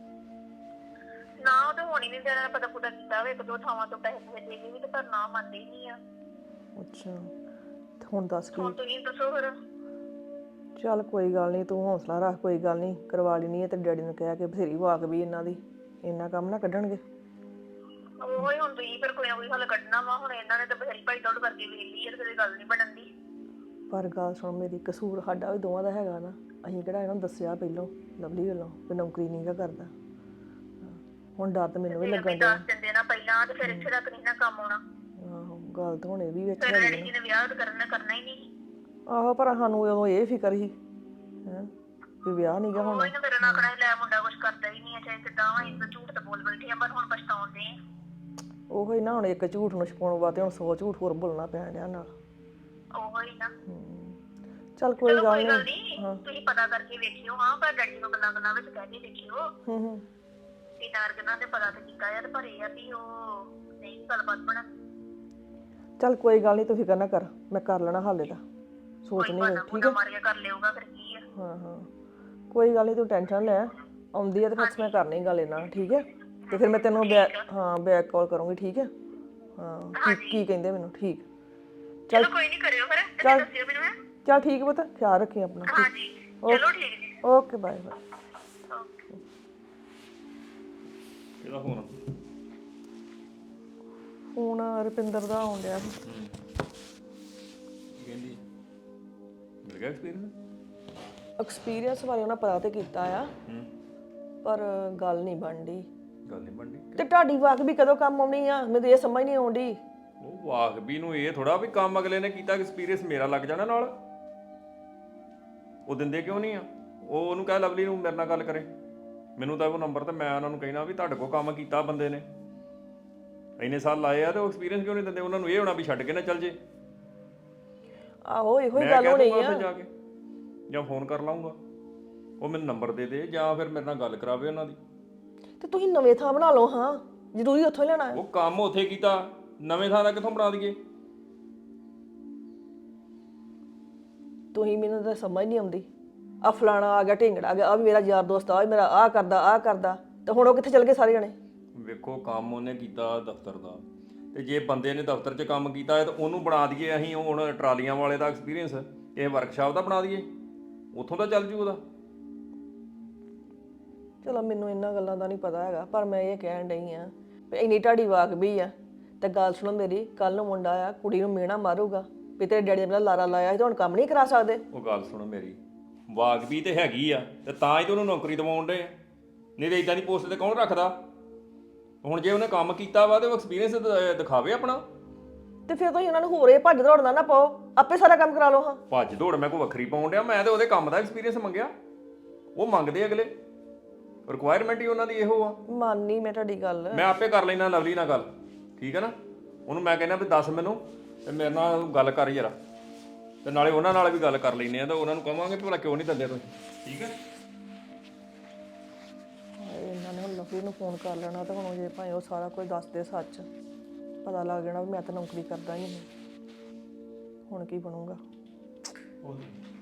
Speaker 8: ਨਾ ਉਹ ਤਾਂ ਹੋਣੀ ਨਹੀਂ ਦਿਆ। ਪਤਾ ਪੁੱਤਾ ਕੀਤਾ ਵਾ ਇੱਕ ਦੋ ਥਾਵਾਂ ਤੋਂ, ਪੈਸੇ ਪੂਸੇ ਦੇ ਕੇ ਵੀ, ਤੇ ਪਰ ਨਾ ਮੰਨਦੇ ਹੀ ਨਹੀਂ ਆ।
Speaker 3: ਅੱਛਾ ਤੇ ਹੁਣ ਦੱਸ ਕੀ?
Speaker 8: ਹੁਣ ਤੁਸੀਂ ਦੱਸੋ ਫਿਰ।
Speaker 3: ਚੱਲ ਕੋਈ ਗੱਲ ਨਹੀਂ, ਤੂੰ ਹੌਸਲਾ ਰੱਖ, ਕੋਈ ਗੱਲ ਨਹੀਂ ਕਰਵਾ ਲੈਣੀ ਹੈ। ਤੇ ਡੈਡੀ ਨੂੰ ਕਹਿ ਕੇ ਬਥੇਰੀ ਵਾਕ ਵੀ ਇਹਨਾਂ ਦੀ, ਇੰਨਾ ਕੰਮ ਨਾ ਕੱਢਣਗੇ।
Speaker 8: ਉਹ ਹੀ ਹੁਣ ਤੁਸੀਂ ਫਿਰ ਕੋਈ ਨਾ ਕੋਈ ਹੱਲ ਕੱਢਣਾ ਵਾ। ਹੁਣ ਇਹਨਾਂ ਨੇ ਤਾਂ ਬਥੇਰੀ ਭਾਈ ਦੌੜ ਕਰਕੇ ਵੇਖ ਲਈ ਹੈ, ਤੇ ਗੱਲ ਨਹੀਂ ਬਣਨ ਦੀ।
Speaker 3: ਪਰ ਗੱਲ ਸੁਣ ਮੇਰੀ, ਕਸੂਰ ਸਾਡਾ ਵੀ ਦੋਵਾਂ ਦਾ ਹੈਗਾ ਨਾ। ਅਸੀਂ ਕਿਹੜਾ ਇਹਨਾਂ ਨੂੰ ਦੱਸਿਆ ਪਹਿਲੋਂ ਲਵਲੀ ਵੱਲੋਂ ਵੀ ਨੌਕਰੀ ਨਹੀਂ ਗਾ ਕਰਦਾ। ਹੁਣ ਡਰ ਤਾਂ ਮੈਨੂੰ ਵੀ ਲੱਗਣ ਡਿਆ।
Speaker 8: ਦੱਸ ਦਿੰਦੇ ਨਾ ਪਹਿਲਾਂ, ਤੇ ਫਿਰ ਇੱਥੇ ਤੱਕ ਨਹੀਂ ਨਾ ਕੰਮ ਆਉਣਾ।
Speaker 3: ਆਹੋ ਗੱਲ ਤਾਂ ਹੁਣ ਇਹ ਵੀ ਵਿੱਚ
Speaker 8: ਫਿਰ
Speaker 3: ਹੈਗੀ
Speaker 8: ਡੈਡੀ ਜੀ ਨੇ ਵਿਆਹ ਕਰਨਾ ਕਰਨਾ ਹੀ ਨਹੀਂ।
Speaker 3: ਆਹੋ ਪਰ ਸਾਨੂੰ ਉਦੋਂ ਇਹ ਫਿਕਰ ਸੀ ਹੈਂ ਵੀ ਵਿਆਹ ਨਹੀਂ ਗਾ
Speaker 8: ਉਹ
Speaker 3: ਹੋਣਾ।
Speaker 8: ਹੀ ਨਾ ਫਿਰ ਨਾ ਕਰਾਈ ਲੈ, ਮੁੰਡਾ ਕੁਛ ਕਰਦਾ ਹੀ ਨਹੀਂ ਹੈ, ਚਾਹੇ ਕਿੱਦਾਂ ਵਾ। ਇਸ ਝੂਠ ਤਾਂ ਬੋਲ ਬੈਠੇ ਆ, ਪਰ ਹੁਣ ਪਛਤਾਉਂਦੇ ਆ।
Speaker 3: ਉਹੋ ਹੀ ਨਾ, ਹੁਣ ਇੱਕ ਝੂਠ ਨੂੰ ਛਪਾਉਣ ਵਾਸਤੇ ਹੁਣ ਸੌ ਝੂਠ ਹੋਰ ਬੋਲਣਾ ਪੈਣ ਡਿਆ ਨਾਲ।
Speaker 8: ਉਹ ਹੀ ਨਾ।
Speaker 3: ਚੱਲ ਕੋਈ
Speaker 8: ਚਲੋ
Speaker 3: ਗੱਲ
Speaker 8: ਕੋਈ ਗੱਲ
Speaker 3: ਨਹੀਂ।
Speaker 8: ਨਹੀਂ, ਤੁਸੀਂ ਪਤਾ ਕਰਕੇ ਵੇਖਿਓ। ਹਾਂ ਪਰ ਡੈਡੀ ਨੂੰ ਗੱਲਾਂ ਗੱਲਾਂ ਵਿੱਚ ਕਹਿ ਕੇ ਦੇਖਿਓ
Speaker 3: ਹੂੰ ਹੂੰ
Speaker 8: ਕਿ ਨਾਰਗਨਾਂ ਦੇ ਪਤਾ ਤੇ ਕੀਤਾ ਯਾਰ, ਪਰ ਇਹ ਆ ਵੀ ਉਹ ਨਹੀਂ ਗੱਲਬਾਤ ਬਣਾ।
Speaker 3: ਚੱਲ ਕੋਈ ਗੱਲ ਨਹੀਂ, ਤੂੰ ਫਿਕਰ ਨਾ ਕਰ, ਮੈਂ ਕਰ ਲੈਣਾ ਹਾਲੇ ਦਾ। ਸੋਚ
Speaker 8: ਕੋਈ
Speaker 3: ਨਹੀਂ
Speaker 8: ਬਾਨਾ
Speaker 3: ਠੀਕ
Speaker 8: ਮੁੰਡਾ
Speaker 3: ਹੈ?
Speaker 8: ਮਾਰ ਕੇ ਕਰ ਲਿਓਗਾ, ਫਿਰ ਕੀ ਆ।
Speaker 3: ਹਾਂ ਹਾਂ ਕੋਈ ਗੱਲ ਨਹੀਂ, ਤੂੰ ਟੈਨਸ਼ਨ ਲੈ। ਆਉਂਦੀ ਹੈ ਤੇ ਫਿਰ ਮੈਂ ਕਰਨੀ ਗੱਲ ਇਹਨਾਂ ਨਾਲ, ਠੀਕ ਹੈ? ਤੇ ਫਿਰ ਮੈਂ ਤੈਨੂੰ ਬੈਕ ਹਾਂ ਬੈਕ ਕਾਲ ਕਰੂੰਗੀ, ਠੀਕ ਹੈ? ਹਾਂ ਕੀ ਕੀ ਕਹਿੰਦੇ ਮੈਨੂੰ? ਠੀਕ
Speaker 8: ਚਲੋ ਕੋਈ ਨਹੀਂ, ਕਰਿਓ ਫਿਰ ਤੇ
Speaker 3: ਚੱਲ।
Speaker 8: ਦੱਸਿਓ ਮੈਨੂੰ। ਹੈ
Speaker 3: ਚੱਲ ਠੀਕ ਪੁੱਤ, ਖਿਆਲ ਰੱਖੀ ਆਪਣਾ।
Speaker 8: ਹਾਂਜੀ ਚਲੋ ਠੀਕ ਜੀ।
Speaker 3: Okay bye bye.
Speaker 4: ਕਿਹਦਾ ਫੋਨ?
Speaker 3: ਫੋਨ ਰੁਪਿੰਦਰ ਦਾ ਆਉਣ ਡਿਆ ਸੀ।
Speaker 4: ਕਹਿੰਦੀ ਮਿਲ ਗਿਆ ਐਕਸਪੀਰੀਅੰਸ?
Speaker 3: ਐਕਸਪੀਰੀਅੰਸ ਬਾਰੇ ਉਹਨਾਂ ਪਤਾ ਤੇ ਕੀਤਾ ਆ, ਪਰ ਗੱਲ ਨਹੀਂ ਬਣਦੀ।
Speaker 4: ਗੱਲ ਨਹੀਂ ਬਣਦੀ।
Speaker 3: ਤੇ ਤੁਹਾਡੀ ਵਾਕ ਵੀ ਕਦੋਂ ਕੰਮ ਆਉਣੀ ਆ? ਮੈਨੂੰ ਇਹ ਸਮਝ ਨਹੀਂ ਆਉਂਦੀ।
Speaker 4: ਉਹ ਵਾਕਬੀ ਨੂੰ ਇਹ ਥੋੜਾ ਵੀ ਕੰਮ ਅਗਲੇ ਨੇ ਕੀਤਾ, ਐਕਸਪੀਰੀਅੰਸ ਮੇਰਾ ਲੱਗ ਜਾਣਾ ਨਾਲ। ਉਹ ਦਿੰਦੇ ਕਿਉਂ ਨਹੀਂ ਆ? ਉਹ ਉਹਨੂੰ ਕਹਿ ਲਵਲੀ ਨੂੰ ਮੇਰੇ ਨਾਲ ਗੱਲ ਕਰੇ, ਮੈਨੂੰ ਤਾਂ ਉਹ ਨੰਬਰ ਤੇ ਮੈਂ ਉਹਨਾਂ ਨੂੰ ਕਹਿਣਾ ਵੀ ਤੁਹਾਡੇ ਕੋਲ ਕੰਮ ਕੀਤਾ ਬੰਦੇ ਨੇ, ਇੰਨੇ ਸਾਲ ਲਾਏ ਆ, ਤੇ ਉਹ ਐਕਸਪੀਰੀਅੰਸ ਕਿਉਂ ਨਹੀਂ ਦਿੰਦੇ? ਉਹਨਾਂ ਨੂੰ ਇਹ ਹੋਣਾ ਵੀ ਛੱਡ ਕੇ ਨਾ ਚੱਲ ਜੇ।
Speaker 3: ਆਹੋ ਇਹੋ ਹੀ
Speaker 4: ਮੈਂ
Speaker 3: ਗੱਲ
Speaker 4: ਕਹਿ
Speaker 3: ਹੋਣੀ
Speaker 4: ਦੂੰਗਾ
Speaker 3: ਆ।
Speaker 4: ਉੱਥੇ ਜਾ ਕੇ, ਜਾਂ ਫੋਨ ਕਰ ਲਾਉਂਗਾ, ਉਹ ਮੈਨੂੰ ਨੰਬਰ ਦੇ ਦੇ, ਜਾਂ ਫਿਰ ਮੇਰੇ ਨਾਲ ਗੱਲ ਕਰਾਵੇ ਉਹਨਾਂ ਦੀ।
Speaker 3: ਤੇ ਤੁਸੀਂ ਨਵੇਂ ਥਾਂ ਬਣਾ ਲਓ। ਹਾਂ ਜ਼ਰੂਰੀ ਉੱਥੋਂ ਹੀ ਲੈਣਾ ਹੈ।
Speaker 4: ਉਹ ਕੰਮ ਉੱਥੇ ਕੀਤਾ, ਨਵੇਂ ਥਾਂ ਦਾ ਕਿੱਥੋਂ ਬਣਾ ਦਈਏ?
Speaker 3: ਤੁਸੀਂ ਮੈਨੂੰ ਤਾਂ ਸਮਝ ਨਹੀਂ ਆਉਂਦੀ। ਆ ਫਲਾਣਾ ਆ ਗਿਆ, ਢਿੰਗੜਾ ਆ ਗਿਆ, ਆ ਵੀ ਮੇਰਾ ਯਾਰ ਦੋਸਤ, ਆ ਵੀ ਮੇਰਾ ਆਹ ਕਰਦਾ ਆਹ ਕਰਦਾ, ਤੇ ਹੁਣ ਉਹ ਕਿੱਥੇ ਚਲ ਗਏ ਸਾਰੇ ਜਣੇ?
Speaker 4: ਵੇਖੋ ਕੰਮ ਉਹਨੇ ਕੀਤਾ ਦਫ਼ਤਰ ਦਾ, ਤੇ ਜੇ ਬੰਦੇ ਨੇ ਦਫ਼ਤਰ 'ਚ ਕੰਮ ਕੀਤਾ ਹੈ ਤਾਂ ਉਹਨੂੰ ਬਣਾ ਦਈਏ ਅਸੀਂ ਹੁਣ ਟਰਾਲੀਆਂ ਵਾਲੇ ਦਾ ਐਕਸਪੀਰੀਅੰਸ, ਇਹ ਵਰਕਸ਼ਾਪ ਦਾ ਬਣਾ ਦਈਏ, ਉੱਥੋਂ ਦਾ ਚੱਲ ਜੂ ਉਹਦਾ।
Speaker 3: ਚਲੋ ਮੈਨੂੰ ਇਹਨਾਂ ਗੱਲਾਂ ਦਾ ਨਹੀਂ ਪਤਾ ਹੈਗਾ, ਪਰ ਮੈਂ ਇਹ ਕਹਿਣ ਡਈ ਆ ਵੀ ਇੰਨੀ ਢਾਡੀ ਵਾਕ ਵੀ ਆ। ਤੇ ਗੱਲ ਸੁਣੋ ਮੇਰੀ, ਕੱਲ ਨੂੰ ਮੁੰਡਾ ਆ ਕੁੜੀ ਨੂੰ ਮਿਹਣਾ ਮਾਰੂਗਾ ਵੀ ਤੇਰੇ ਡੈਡੀ ਨੇ ਮੇਰਾ ਲਾਰਾ ਲਾਇਆ ਸੀ, ਤੇ ਹੁਣ ਕੰਮ ਨਹੀਂ ਕਰਾ ਸਕਦੇ।
Speaker 4: ਉਹ ਗੱਲ ਸੁਣੋ ਮੇਰੀ, ਵਾਕਬੀ ਤੇ ਹੈਗੀ ਆ, ਤੇ ਤਾਂ ਹੀ ਤੇ ਉਹਨੂੰ ਨੌਕਰੀ ਦਿਵਾਉਣ ਡੇ ਆ, ਨਹੀਂ ਤੇ ਇਦਾਂ ਦੀ ਪੋਸਟ ਤੇ ਕੌਣ ਰੱਖਦਾ? ਹੁਣ ਜੇ ਉਹਨੇ ਕੰਮ ਕੀਤਾ ਵਾ ਤੇ ਉਹ ਐਕਸਪੀਰੀਅੰਸ ਦਿਖਾਵੇ ਆਪਣਾ।
Speaker 3: ਤੇ ਫਿਰ ਤੁਸੀਂ ਉਹਨਾਂ ਨੂੰ ਹੋਰ ਇਹ ਭੱਜ ਦੌੜਨਾ ਨਾ ਪਾਓ, ਆਪੇ ਸਾਰਾ ਕੰਮ ਕਰਾ ਲਓ ਹਾਂ।
Speaker 4: ਭੱਜ ਦੌੜ ਮੈਂ ਕੋਈ ਵੱਖਰੀ ਪਾਉਣ ਡਿਆ, ਮੈਂ ਤੇ ਉਹਦੇ ਕੰਮ ਦਾ ਐਕਸਪੀਰੀਅੰਸ ਮੰਗਿਆ। ਉਹ ਮੰਗਦੇ ਅਗਲੇ, ਰਿਕੁਆਇਰਮੈਂਟ ਹੀ ਉਹਨਾਂ ਦੀ ਇਹੋ ਆ।
Speaker 3: ਮੰਨਨੀ ਮੈਂ ਤੁਹਾਡੀ ਗੱਲ।
Speaker 4: ਮੈਂ ਆਪੇ ਕਰ ਲੈਣਾ ਲਵਲੀ ਨਾਲ ਗੱਲ, ਠੀਕ ਹੈ ਨਾ। ਉਹਨੂੰ ਮੈਂ ਕਹਿੰਦਾ ਵੀ ਦੱਸ ਮੈਨੂੰ ਤੇ ਮੇਰੇ ਨਾਲ ਗੱਲ ਕਰ ਯਾਰ, ਤੇ ਨਾਲੇ ਉਹਨਾਂ ਨਾਲ ਵੀ ਗੱਲ ਕਰ ਲੈਂਦੇ ਆ ਤੇ ਉਹਨਾਂ ਨੂੰ ਕਹਾਂਗੇ ਭਲਾ ਕਿਉਂ ਨਹੀਂ ਦਿੰਦੇ ਤੁਸੀਂ, ਠੀਕ ਹੈ।
Speaker 3: ਇਹਨਾਂ ਨੇ ਹੁਣ ਲਵਲੀ ਨੂੰ ਫੋਨ ਕਰ ਲੈਣਾ ਤੇ ਹੁਣ ਜੇ ਭਾਵੇਂ ਉਹ ਸਾਰਾ ਕੁਝ ਦੱਸਦੇ ਸੱਚ, ਪਤਾ ਲੱਗ ਜਾਣਾ ਵੀ ਮੈਂ ਤਾਂ ਨੌਕਰੀ ਕਰਦਾ ਹੀ ਨਹੀਂ। ਹੁਣ ਕੀ ਬਣੂਗਾ।